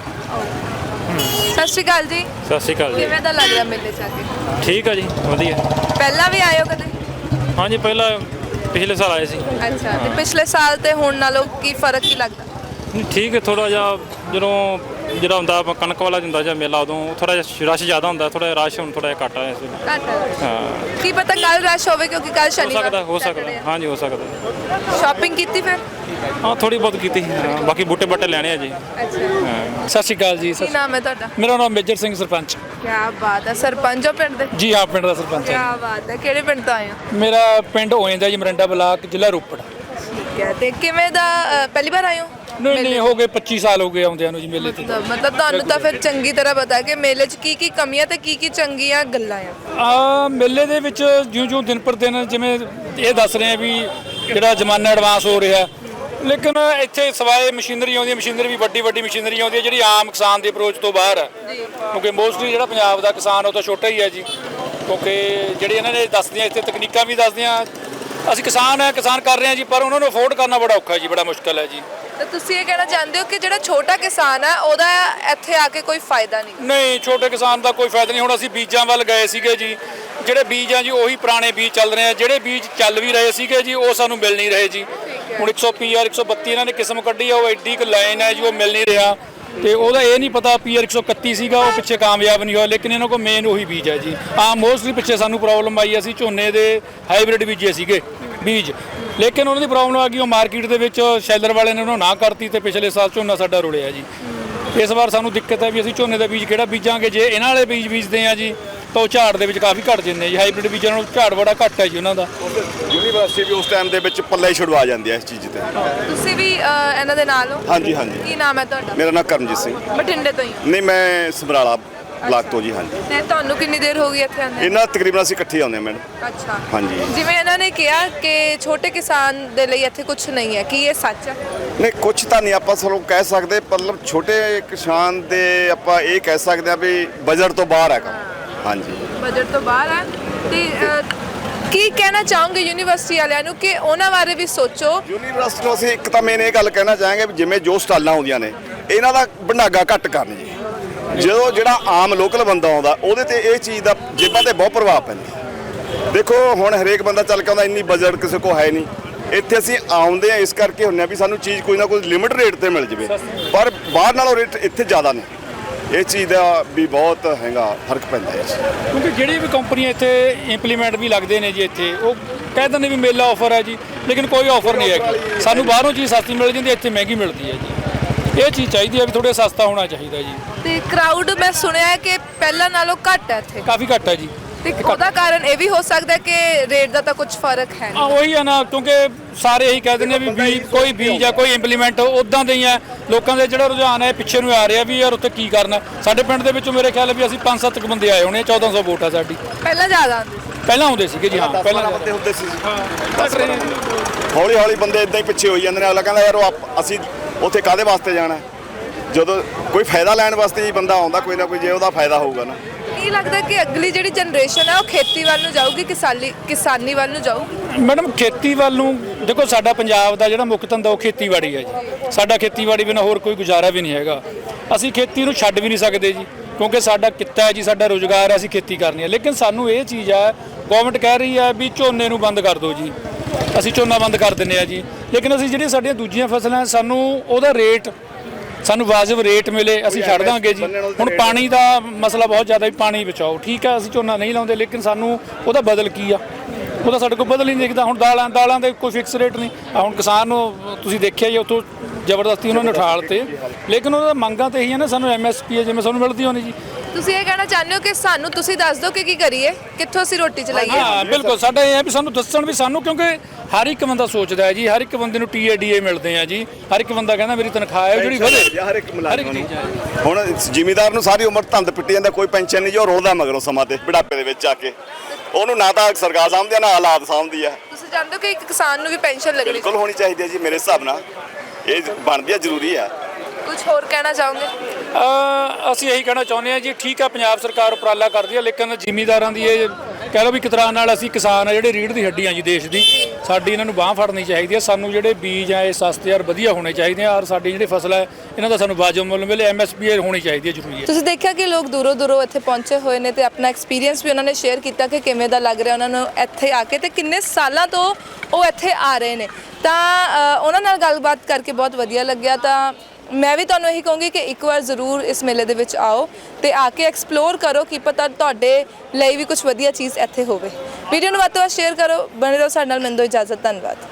[SPEAKER 4] ਸਤਿ ਸ਼੍ਰੀ ਅਕਾਲ ਜੀ।
[SPEAKER 3] ਸਤਿ ਸ਼੍ਰੀ ਅਕਾਲ ਜੀ।
[SPEAKER 4] ਕਿਵੇਂ ਦਾ ਲੱਗ ਰਿਹਾ ਮੇਲੇ 'ਚ ਆ ਕੇ?
[SPEAKER 3] ਠੀਕ ਆ ਜੀ, ਵਧੀਆ।
[SPEAKER 4] ਪਹਿਲਾਂ ਵੀ ਆਏ ਹੋ ਕਦੇ?
[SPEAKER 3] ਹਾਂਜੀ, ਪਹਿਲਾਂ ਪਿਛਲੇ ਸਾਲ ਆਏ ਸੀ।
[SPEAKER 4] ਅੱਛਾ, ਤੇ ਪਿਛਲੇ ਸਾਲ ਤੇ ਹੁਣ ਨਾਲੋਂ ਕੀ ਫਰਕ ਕੀ ਲੱਗਦਾ?
[SPEAKER 3] ਠੀਕ ਹੈ, ਥੋੜਾ ਜਿਹਾ ਜਿਹੜਾ ਹੁੰਦਾ ਕਣਕ ਵਾਲਾ ਹੁੰਦਾ ਜਾਂ ਮੇਲਾ ਉਦੋਂ ਥੋੜਾ ਜਿਹਾ ਰਸ਼ ਜ਼ਿਆਦਾ ਹੁੰਦਾ, ਥੋੜਾ ਜਿਹਾ ਰਸ਼ ਹੁਣ ਥੋੜਾ ਜਿਹਾ ਘੱਟ ਆ ਇਸ ਵੇਲੇ।
[SPEAKER 4] ਘੱਟ ਹੈ।
[SPEAKER 3] ਹਾਂ,
[SPEAKER 4] ਕੀ ਪਤਾ ਕੱਲ ਰਸ਼ ਹੋਵੇ ਕਿਉਂਕਿ ਕੱਲ ਸ਼ਨੀਵਾਰ
[SPEAKER 3] ਹੋ ਸਕਦਾ ਹਾਂਜੀ, ਹੋ ਸਕਦਾ।
[SPEAKER 4] ਸ਼ਾਪਿੰਗ ਕੀਤੀ ਫਿਰ?
[SPEAKER 3] ਹਾਂ, ਥੋੜੀ ਬਹੁਤ ਕੀਤੀ। ਹਾਂ, ਬਾਕੀ ਬੂਟੇ ਬਾਟੇ ਲੈਣੇ ਆ ਜੀ।
[SPEAKER 4] ਅੱਛਾ,
[SPEAKER 2] ਸਤਿ ਸ਼੍ਰੀ ਅਕਾਲ ਜੀ।
[SPEAKER 4] ਕੀ ਨਾਮ ਹੈ ਤੁਹਾਡਾ?
[SPEAKER 2] ਮੇਰਾ ਨਾਮ ਮੇਜਰ ਸਿੰਘ ਸਰਪੰਚ।
[SPEAKER 4] ਕੀ ਬਾਤ ਹੈ, ਸਰਪੰਚ ਹੋ ਪਿੰਡ ਦੇ?
[SPEAKER 2] ਜੀ ਹਾਂ, ਪਿੰਡ ਦਾ ਸਰਪੰਚ
[SPEAKER 4] ਕੀ
[SPEAKER 2] ਹਾਂ।
[SPEAKER 4] ਬਾਤ ਹੈ, ਕਿਹੜੇ ਪਿੰਡ ਤੋਂ ਆਏ ਹੋ?
[SPEAKER 2] ਮੇਰਾ ਪਿੰਡ ਹੋਇੰਦਾ ਜੀ, ਮਰਿੰਡਾ ਬਲਾਕ, ਜ਼ਿਲ੍ਹਾ ਰੋਪੜ।
[SPEAKER 4] ਠੀਕ ਹੈ, ਤੇ ਕਿਵੇਂ ਦਾ ਪਹਿਲੀ ਵਾਰ ਆਏ ਹੋ?
[SPEAKER 2] ਨਹੀਂ, ਹੋ ਗਏ 25 ਸਾਲ ਹੋ ਗਏ ਆਉਂਦਿਆਂ ਨੂੰ ਜੀ ਮੇਲੇ ਤੇ।
[SPEAKER 4] ਮਤਲਬ ਤੁਹਾਨੂੰ ਤਾਂ ਫਿਰ ਚੰਗੀ ਤਰ੍ਹਾਂ ਪਤਾ ਕਿ ਮੇਲੇ 'ਚ ਕੀ ਕਮੀਆਂ ਤੇ ਕੀ ਚੰਗੀਆਂ ਗੱਲਾਂ ਆ।
[SPEAKER 2] ਮੇਲੇ ਦੇ ਵਿੱਚ ਜਿਉਂ ਦਿਨ ਪਰ ਦਿਨ ਜਿਵੇਂ ਇਹ ਦੱਸ ਰਹੇ ਆ ਵੀ ਜਿਹੜਾ ਜ਼ਮਾਨਾ ਐਡਵਾਂਸ ਹੋ ਰਿਹਾ, ਲੇਕਿਨ ਇੱਥੇ ਸਵਾਏ ਮਸ਼ੀਨਰੀ ਆਉਂਦੀ ਹੈ, ਮਸ਼ੀਨਰੀ ਵੀ ਵੱਡੀ ਮਸ਼ੀਨਰੀ ਆਉਂਦੀ ਹੈ ਜਿਹੜੀ ਆਮ ਕਿਸਾਨ ਦੀ ਅਪਰੋਚ ਤੋਂ ਬਾਹਰ ਹੈ। ਕਿਉਂਕਿ ਮੋਸਟਲੀ ਜਿਹੜਾ ਪੰਜਾਬ ਦਾ ਕਿਸਾਨ ਉਹ ਤਾਂ ਛੋਟਾ ਹੀ ਹੈ ਜੀ। ਕਿਉਂਕਿ ਜਿਹੜੀ ਇਹਨਾਂ ਨੇ ਦੱਸਦੀਆਂ ਇੱਥੇ ਤਕਨੀਕਾਂ ਵੀ ਦੱਸਦੀਆਂ, ਅਸੀਂ ਕਿਸਾਨ ਕਰ ਰਹੇ ਹਾਂ ਜੀ, ਪਰ ਉਹਨਾਂ ਨੂੰ ਅਫੋਰਡ ਕਰਨਾ ਬੜਾ ਔਖਾ ਜੀ, ਬੜਾ ਮੁਸ਼ਕਲ ਹੈ ਜੀ।
[SPEAKER 4] ਤੇ ਤੁਸੀਂ ਇਹ ਕਹਿਣਾ ਚਾਹੁੰਦੇ ਹੋ ਕਿ ਜਿਹੜਾ ਛੋਟਾ ਕਿਸਾਨ ਹੈ ਉਹਦਾ ਇੱਥੇ ਆ ਕੇ ਕੋਈ ਫਾਇਦਾ
[SPEAKER 2] ਨਹੀਂ, ਛੋਟੇ ਕਿਸਾਨ ਦਾ ਕੋਈ ਫਾਇਦਾ ਨਹੀਂ। ਹੁਣ ਅਸੀਂ ਬੀਜਾਂ ਵੱਲ ਗਏ ਸੀਗੇ ਜੀ, ਜਿਹੜੇ ਬੀਜ ਆ ਜੀ ਉਹੀ ਪੁਰਾਣੇ ਬੀਜ ਚੱਲ ਰਹੇ ਆ, ਜਿਹੜੇ ਬੀਜ ਚੱਲ ਵੀ ਰਹੇ ਸੀਗੇ ਜੀ ਉਹ ਸਾਨੂੰ ਮਿਲ ਨਹੀਂ ਰਹੇ ਜੀ। ਹੁਣ 100 132 ਇਹਨਾਂ ਨੇ ਕਿਸਮ ਕੱਢੀ ਆ, ਉਹ ਐਡੀ ਕੁ ਲਾਈਨ ਹੈ ਜੀ, ਉਹ ਮਿਲ ਨਹੀਂ ਰਿਹਾ। ਤੇ ਉਹਦਾ ਇਹ ਨਹੀਂ ਪਤਾ PR 131 ਸੀਗਾ, ਉਹ ਪਿੱਛੇ ਕਾਮਯਾਬ ਨਹੀਂ ਹੋਇਆ, ਲੇਕਿਨ ਇਹਨਾਂ ਕੋਲ ਮੇਨ ਉਹੀ ਬੀਜ ਹੈ ਜੀ। ਮੋਸਟਲੀ ਪਿੱਛੇ ਸਾਨੂੰ ਪ੍ਰੋਬਲਮ ਆਈ, ਅਸੀਂ ਝੋਨੇ ਦੇ ਹਾਈਬ੍ਰਿਡ ਬੀਜੇ ਸੀਗੇ ਬੀਜ, ਲੇਕਿਨ ਉਹਨਾਂ ਦੀ ਪ੍ਰੋਬਲਮ ਆ ਗਈ, ਉਹ ਮਾਰਕੀਟ ਦੇ ਵਿੱਚ ਸ਼ੈਲਰ ਵਾਲੇ ਨੇ ਉਹਨੂੰ ਨਾ ਕਰਤੀ ਤੇ ਪਿਛਲੇ ਸਾਲ ਝੋਨਾ ਸਾਡਾ ਰੁਲਿਆ ਜੀ। ਇਸ ਵਾਰ ਸਾਨੂੰ ਦਿੱਕਤ ਹੈ ਵੀ ਅਸੀਂ ਝੋਨੇ ਦਾ ਬੀਜ ਕਿਹੜਾ ਬੀਜਾਂਗੇ। ਜੇ ਇਹਨਾਂ ਵਾਲੇ ਬੀਜ ਬੀਜਦੇ ਆ ਜੀ ਤਾਂ ਉਹ ਝਾੜ ਦੇ ਵਿੱਚ ਕਾਫੀ ਘਟ ਜਾਂਦੇ ਆ ਜੀ। ਹਾਈਬ੍ਰਿਡ ਬੀਜਾਂ ਨਾਲੋਂ ਝਾੜ ਬੜਾ ਘੱਟ ਹੈ ਜੀ ਉਹਨਾਂ ਦਾ।
[SPEAKER 8] ਯੂਨੀਵਰਸਿਟੀ ਵੀ ਉਸ ਟਾਈਮ ਦੇ ਵਿੱਚ ਪੱਲੇ ਹੀ ਛੁਡਵਾ ਜਾਂਦੀ ਹੈ ਇਸ ਚੀਜ਼ ਤੇ।
[SPEAKER 4] ਤੁਸੀਂ ਵੀ ਇਹਨਾਂ ਦੇ ਨਾਲ ਹੋ?
[SPEAKER 8] ਹਾਂਜੀ।
[SPEAKER 4] ਕੀ ਨਾਮ ਹੈ ਤੁਹਾਡਾ?
[SPEAKER 8] ਮੇਰਾ ਨਾਮ ਕਰਮਜੀਤ ਸਿੰਘ।
[SPEAKER 4] ਬਠਿੰਡੇ ਤੋਂ ਹੀ ਹੋ?
[SPEAKER 8] ਨਹੀਂ, ਮੈਂ ਸਮਰਾਲਾ ਬਲਾਕ ਤੋਂ ਜੀ। ਹਾਂਜੀ।
[SPEAKER 4] ਤੇ ਤੁਹਾਨੂੰ ਕਿੰਨੀ ਦੇਰ ਹੋ ਗਈ ਇੱਥੇ ਆਉਂਦੇ?
[SPEAKER 8] ਇਹਨਾਂ ਤਕਰੀਬਨ ਅਸੀਂ ਇਕੱਠੇ ਆਉਂਦੇ ਹਾਂ ਮੈਡਮ।
[SPEAKER 4] ਅੱਛਾ,
[SPEAKER 8] ਹਾਂਜੀ।
[SPEAKER 4] ਜਿਵੇਂ ਇਹਨਾਂ ਨੇ ਕਿਹਾ ਕਿ ਛੋਟੇ ਕਿਸਾਨ ਦੇ ਲਈ ਇੱਥੇ ਕੁਝ ਨਹੀਂ ਹੈ, ਕੀ ਇਹ ਸੱਚ ਹੈ?
[SPEAKER 8] ਨਹੀਂ, ਕੁਛ ਤਾਂ ਨਹੀਂ ਆਪਾਂ ਸਭ ਕਹਿ ਸਕਦੇ, ਮਤਲਬ ਛੋਟੇ ਕਿਸਾਨ ਦੇ ਆਪਾਂ ਇਹ ਕਹਿ ਸਕਦੇ ਆ ਵੀ ਬਜਟ ਤੋਂ ਬਾਹਰ ਹੈ ਕੰਮ। ਹਾਂਜੀ,
[SPEAKER 4] ਬਜਟ ਤੋਂ ਬਾਹਰ ਹੈ। ਤੇ ਕੀ ਕਹਿਣਾ ਚਾਹੋਗੇ ਯੂਨੀਵਰਸਿਟੀ ਵਾਲਿਆਂ ਨੂੰ ਕਿ ਉਹਨਾਂ ਬਾਰੇ ਵੀ ਸੋਚੋ?
[SPEAKER 8] ਯੂਨੀਵਰਸਿਟੀ ਨੂੰ ਅਸੀਂ ਇੱਕ ਤਾਂ ਮੇਨ ਇਹ ਗੱਲ ਕਹਿਣਾ ਚਾਹਾਂਗੇ ਵੀ ਜਿਵੇਂ ਜੋ ਸਟਾਲਾਂ ਆਉਂਦੀਆਂ ਨੇ ਇਹਨਾਂ ਦਾ ਭੰਡਾਗਾ ਘੱਟ ਕਰਨ ਜੀ। ਜਦੋਂ ਜਿਹੜਾ ਆਮ ਲੋਕਲ ਬੰਦਾ ਆਉਂਦਾ ਉਹਦੇ ਤੇ ਇਹ ਚੀਜ਼ ਦਾ ਜੇਬਾਂ ਤੇ ਬਹੁਤ ਪ੍ਰਭਾਵ ਪੈਂਦਾ। ਦੇਖੋ ਹੁਣ ਹਰੇਕ ਬੰਦਾ ਚੱਲ ਕੇ ਆਉਂਦਾ, ਇੰਨੀ ਬਜਟ ਕਿਸੇ ਕੋਲ ਹੈ ਨਹੀਂ। ਇੱਥੇ ਅਸੀਂ ਆਉਂਦੇ ਆ ਇਸ ਕਰਕੇ ਹੁੰਦੇ ਆ ਵੀ ਸਾਨੂੰ ਚੀਜ਼ ਕੋਈ ਨਾ ਕੋਈ ਲਿਮਿਟ ਰੇਟ ਤੇ ਮਿਲ ਜਵੇ, ਪਰ ਬਾਹਰ ਨਾਲੋਂ ਰੇਟ ਇੱਥੇ ਜ਼ਿਆਦਾ ਨੇ। ਇਹ ਚੀਜ਼ ਦਾ ਵੀ ਬਹੁਤ ਹੈਗਾ ਫਰਕ ਪੈਂਦਾ ਹੈ।
[SPEAKER 2] ਕਿਉਂਕਿ ਜਿਹੜੀ ਵੀ ਕੰਪਨੀਆਂ ਇੱਥੇ ਇੰਪਲੀਮੈਂਟ ਵੀ ਲੱਗਦੇ ਨੇ ਜੀ, ਇੱਥੇ ਉਹ ਕਹਿ ਦਿੰਦੇ ਵੀ ਮੇਲਾ ਆਫਰ ਹੈ ਜੀ, ਲੇਕਿਨ ਕੋਈ ਆਫਰ ਨਹੀਂ ਹੈਗੀ। ਸਾਨੂੰ ਬਾਹਰੋਂ ਚੀਜ਼ ਸਸਤੀ ਮਿਲ ਜਾਂਦੀ, ਇੱਥੇ ਮਹਿੰਗੀ ਮਿਲਦੀ ਹੈ ਜੀ। ਇਹ ਚੀਜ਼ ਚਾਹੀਦੀ ਹੈ ਵੀ ਥੋੜ੍ਹਾ ਸਸਤਾ ਹੋਣਾ ਚਾਹੀਦਾ ਜੀ।
[SPEAKER 4] ਤੇ ਕਰਾਊਡ ਮੈਂ ਸੁਣਿਆ ਹੈ ਕਿ ਪਹਿਲਾਂ ਨਾਲੋਂ ਘੱਟ ਹੈ ਇੱਥੇ,
[SPEAKER 2] ਕਾਫੀ ਘੱਟ ਹੈ ਜੀ।
[SPEAKER 4] ਤੇ ਉਹਦਾ ਕਾਰਨ ਇਹ ਵੀ ਹੋ ਸਕਦਾ ਕਿ ਰੇਟ ਦਾ ਤਾਂ ਕੁਝ ਫਰਕ ਹੈ ਨਹੀਂ।
[SPEAKER 2] ਉਹੀ ਆ ਨਾ, ਕਿਉਂਕਿ ਸਾਰੇ ਇਹੀ ਕਹਿ ਦਿੰਦੇ ਆ ਵੀ ਕੋਈ ਬੀਜ ਜਾਂ ਕੋਈ ਇੰਪਲੀਮੈਂਟ ਉਦਾਂ ਦੇ ਹੀ ਆ। ਲੋਕਾਂ ਦੇ ਜਿਹੜਾ ਰੁਝਾਨ ਹੈ ਪਿੱਛੇ ਨੂੰ ਆ ਰਿਹਾ ਵੀ ਯਾਰ ਉੱਥੇ ਕੀ ਕਰਨਾ। ਸਾਡੇ ਪਿੰਡ ਦੇ ਵਿੱਚੋਂ ਮੇਰੇ ਖਿਆਲ ਵੀ ਅਸੀਂ 5-7 ਬੰਦੇ ਆਏ ਹੋਣੇ, 1400 ਵੋਟ ਆ ਸਾਡੀ।
[SPEAKER 4] ਪਹਿਲਾਂ ਜ਼ਿਆਦਾ ਆਉਂਦੇ ਸੀ?
[SPEAKER 2] ਪਹਿਲਾਂ ਆਉਂਦੇ ਸੀਗੇ ਜੀ। ਹਾਂ, ਪਹਿਲਾਂ
[SPEAKER 8] ਬੰਦੇ ਹੁੰਦੇ ਸੀ। ਹੌਲੀ ਹੌਲੀ ਬੰਦੇ ਇਦਾਂ ਹੀ ਪਿੱਛੇ ਹੋਈ ਜਾਂਦੇ ਨੇ। ਅਗਲਾ ਕਹਿੰਦਾ ਯਾਰ ਅਸੀਂ ਉੱਥੇ ਕਾਹਦੇ ਵਾਸਤੇ ਜਾਣਾ, ਜਦੋਂ ਕੋਈ ਫਾਇਦਾ ਲੈਣ ਵਾਸਤੇ ਹੀ ਬੰਦਾ ਆਉਂਦਾ ਕੋਈ ਨਾ ਕੋਈ, ਜੇ ਉਹਦਾ ਫਾਇਦਾ ਹੋਊਗਾ ਨਾ।
[SPEAKER 4] ਕੀ ਲੱਗਦਾ ਕਿ ਅਗਲੀ ਜਿਹੜੀ ਜਨਰੇਸ਼ਨ ਹੈ ਉਹ ਖੇਤੀ ਵੱਲ ਨੂੰ ਜਾਊਗੀ, ਕਿਸਾਨੀ ਵੱਲ ਨੂੰ ਜਾਊਗੀ?
[SPEAKER 2] ਮੈਡਮ, ਖੇਤੀ ਵੱਲ ਨੂੰ ਦੇਖੋ, ਸਾਡਾ ਪੰਜਾਬ ਦਾ ਜਿਹੜਾ ਮੁੱਖ ਧੰਦਾ ਉਹ ਖੇਤੀਬਾੜੀ ਹੈ ਜੀ। ਸਾਡਾ ਖੇਤੀਬਾੜੀ ਬਿਨਾਂ ਹੋਰ ਕੋਈ ਗੁਜ਼ਾਰਾ ਵੀ ਨਹੀਂ ਹੈਗਾ। ਅਸੀਂ ਖੇਤੀ ਨੂੰ ਛੱਡ ਵੀ ਨਹੀਂ ਸਕਦੇ ਜੀ, ਕਿਉਂਕਿ ਸਾਡਾ ਕਿੱਤਾ ਹੈ ਜੀ, ਸਾਡਾ ਰੁਜ਼ਗਾਰ ਹੈ, ਅਸੀਂ ਖੇਤੀ ਕਰਨੀ ਹੈ। ਲੇਕਿਨ ਸਾਨੂੰ ਇਹ ਚੀਜ਼ ਹੈ, ਗਵਰਨਮੈਂਟ ਕਹਿ ਰਹੀ ਹੈ ਵੀ ਝੋਨੇ ਨੂੰ ਬੰਦ ਕਰ ਦਿਓ ਜੀ, ਅਸੀਂ ਝੋਨਾ ਬੰਦ ਕਰ ਦਿੰਦੇ ਆ ਜੀ। ਲੇਕਿਨ ਅਸੀਂ ਜਿਹੜੀਆਂ ਸਾਡੀਆਂ ਦੂਜੀਆਂ ਫਸਲਾਂ, ਸਾਨੂੰ ਉਹਦਾ ਰੇਟ, ਸਾਨੂੰ ਵਾਜਬ ਰੇਟ ਮਿਲੇ, ਅਸੀਂ ਛੱਡ ਦਾਂਗੇ ਜੀ। ਹੁਣ ਪਾਣੀ ਦਾ ਮਸਲਾ ਬਹੁਤ ਜ਼ਿਆਦਾ, ਵੀ ਪਾਣੀ ਬਚਾਓ, ਠੀਕ ਹੈ, ਅਸੀਂ ਝੋਨਾ ਨਹੀਂ ਲਾਉਂਦੇ, ਲੇਕਿਨ ਸਾਨੂੰ ਉਹਦਾ ਬਦਲ ਕੀ ਆ, ਉਹਦਾ ਸਾਡੇ ਕੋਲ ਬਦਲ ਹੀ ਨਹੀਂ ਦਿਖਦਾ। ਹੁਣ ਦਾਲਾਂ ਦੇ ਕੋਈ ਫਿਕਸ ਰੇਟ ਨਹੀਂ। ਹੁਣ ਕਿਸਾਨ ਨੂੰ ਤੁਸੀਂ ਦੇਖਿਆ ਜੀ, ਉੱਥੋਂ ਜ਼ਬਰਦਸਤੀ ਉਹਨਾਂ ਨੇ ਉਠਾਲ ਤੇ, ਲੇਕਿਨ ਉਹਦਾ ਮੰਗਾਂ ਤੇ ਇਹੀ ਹੈ ਨਾ, ਸਾਨੂੰ MSP ਹੈ ਜਿਵੇਂ ਸਾਨੂੰ ਮਿਲਦੀ ਹੋਣੀ ਜੀ।
[SPEAKER 4] ਤੁਸੀਂ ਇਹ ਕਹਿਣਾ ਚਾਹੁੰਦੇ ਹੋ ਕਿ ਸਾਨੂੰ ਤੁਸੀਂ ਦੱਸ ਦਿਓ ਕਿ ਕੀ ਕਰੀਏ, ਕਿੱਥੋਂ ਅਸੀਂ ਰੋਟੀ ਚਲਾਈਏ?
[SPEAKER 2] ਹਾਂ ਬਿਲਕੁਲ, ਸਾਡਾ ਇਹ ਹੈ ਵੀ ਸਾਨੂੰ ਦੱਸਣ ਵੀ ਸਾਨੂੰ, ਕਿਉਂਕਿ ਹਰ ਇੱਕ ਬੰਦਾ ਸੋਚਦਾ ਹੈ ਜੀ, ਹਰ ਇੱਕ ਬੰਦੇ ਨੂੰ TADA ਮਿਲਦੇ ਆ ਜੀ, ਹਰ ਇੱਕ ਬੰਦਾ ਕਹਿੰਦਾ ਮੇਰੀ ਤਨਖਾਹ ਹੈ ਜਿਹੜੀ ਵਧੇ,
[SPEAKER 8] ਹਰ ਇੱਕ ਮੁਲਾਜ਼ਮ ਨੂੰ। ਹੁਣ ਜ਼ਿਮੀਦਾਰ ਨੂੰ ਸਾਰੀ ਉਮਰ ਧੰਦ ਪਿੱਟੀ ਜਾਂਦਾ, ਕੋਈ ਪੈਨਸ਼ਨ ਨਹੀਂ, ਜੋ ਰੋਲਦਾ ਮਗਰੋਂ ਸਮਾਂ ਤੇ ਬੁਢਾਪੇ ਦੇ ਵਿੱਚ ਆ ਕੇ, ਉਹਨੂੰ ਨਾ ਤਾਂ ਸਰਕਾਰ ਸਾਂਭਦੀ ਆ, ਨਾ ਹਾਲਾਤ ਸਾਂਭਦੀ ਆ।
[SPEAKER 4] ਤੁਸੀਂ ਜਾਣਦੇ ਹੋ ਕਿ ਇੱਕ ਕਿਸਾਨ ਨੂੰ ਵੀ ਪੈਨਸ਼ਨ ਲੱਗਣੀ
[SPEAKER 8] ਬਿਲਕੁਲ ਹੋਣੀ ਚਾਹੀਦੀ ਹੈ ਜੀ, ਮੇਰੇ ਹਿਸਾਬ ਨਾਲ ਇਹ ਬਣਦੀ ਆ, ਜ਼ਰੂਰੀ ਆ।
[SPEAKER 4] ਕੁਝ ਹੋਰ ਕਹਿਣਾ ਚਾਹੋਗੇ?
[SPEAKER 2] ਅਸੀਂ ਇਹੀ ਕਹਿਣਾ ਚਾਹੁੰਦੇ ਹਾਂ ਜੀ, ਠੀਕ ਆ ਪੰਜਾਬ ਸਰਕਾਰ ਉਪਰਾਲਾ ਕਰਦੀ ਹੈ, ਲੇਕਿਨ ਜ਼ਿਮੀਂਦਾਰਾਂ ਦੀ ਇਹ ਕਹਿ ਲਓ ਵੀ ਕਿਸ ਤਰ੍ਹਾਂ ਨਾਲ, ਅਸੀਂ ਕਿਸਾਨ ਆ ਜਿਹੜੇ ਰੀੜ੍ਹ ਦੀ ਹੱਡੀ ਆ ਜੀ ਦੇਸ਼ ਦੀ, ਸਾਡੀ ਇਹਨਾਂ ਨੂੰ ਬਾਂਹ ਫੜਨੀ ਚਾਹੀਦੀ ਹੈ। ਸਾਨੂੰ ਜਿਹੜੇ ਬੀਜ ਆ ਇਹ ਸਸਤੇ ਔਰ ਵਧੀਆ ਹੋਣੇ ਚਾਹੀਦੇ ਆ, ਔਰ ਸਾਡੀ ਜਿਹੜੀ ਫਸਲ ਹੈ ਇਹਨਾਂ ਦਾ ਸਾਨੂੰ ਵਾਜਬ ਮੁੱਲ ਮਿਲੇ, MSP ਹੋਣੀ ਚਾਹੀਦੀ ਹੈ, ਜ਼ਰੂਰੀ ਹੈ।
[SPEAKER 4] ਤੁਸੀਂ ਦੇਖਿਆ ਕਿ ਲੋਕ ਦੂਰੋਂ ਦੂਰੋਂ ਇੱਥੇ ਪਹੁੰਚੇ ਹੋਏ ਨੇ ਤੇ ਆਪਣਾ ਐਕਸਪੀਰੀਅੰਸ ਵੀ ਉਹਨਾਂ ਨੇ ਸ਼ੇਅਰ ਕੀਤਾ ਕਿ ਕਿਵੇਂ ਦਾ ਲੱਗ ਰਿਹਾ ਉਹਨਾਂ ਨੂੰ ਇੱਥੇ ਆ ਕੇ, ਤੇ ਕਿੰਨੇ ਸਾਲਾਂ ਤੋਂ ਉਹ ਇੱਥੇ ਆ ਰਹੇ ਨੇ। ਤਾਂ ਉਹਨਾਂ ਨਾਲ ਗੱਲਬਾਤ ਕਰਕੇ ਬਹੁਤ ਵਧੀਆ ਲੱਗਿਆ। ਤਾਂ ਮੈਂ ਵੀ ਤੁਹਾਨੂੰ ਇਹੀ ਕਹੂੰਗੀ ਕਿ ਇੱਕ ਵਾਰ ਜ਼ਰੂਰ ਇਸ ਮੇਲੇ ਦੇ ਵਿੱਚ ਆਓ ਤੇ ਆ ਕੇ ਐਕਸਪਲੋਰ ਕਰੋ, ਕੀ ਪਤਾ ਤੁਹਾਡੇ ਲਈ ਵੀ ਕੁਝ ਵਧੀਆ ਚੀਜ਼ ਇੱਥੇ ਹੋਵੇ। ਵੀਡੀਓ ਨੂੰ ਵੱਧ ਤੋਂ ਵੱਧ ਸ਼ੇਅਰ ਕਰੋ, ਬਣੇ ਰਹੋ ਸਾਡੇ ਨਾਲ। ਮੈਨੂੰ ਦਿਓ ਇਜਾਜ਼ਤ, ਧੰਨਵਾਦ।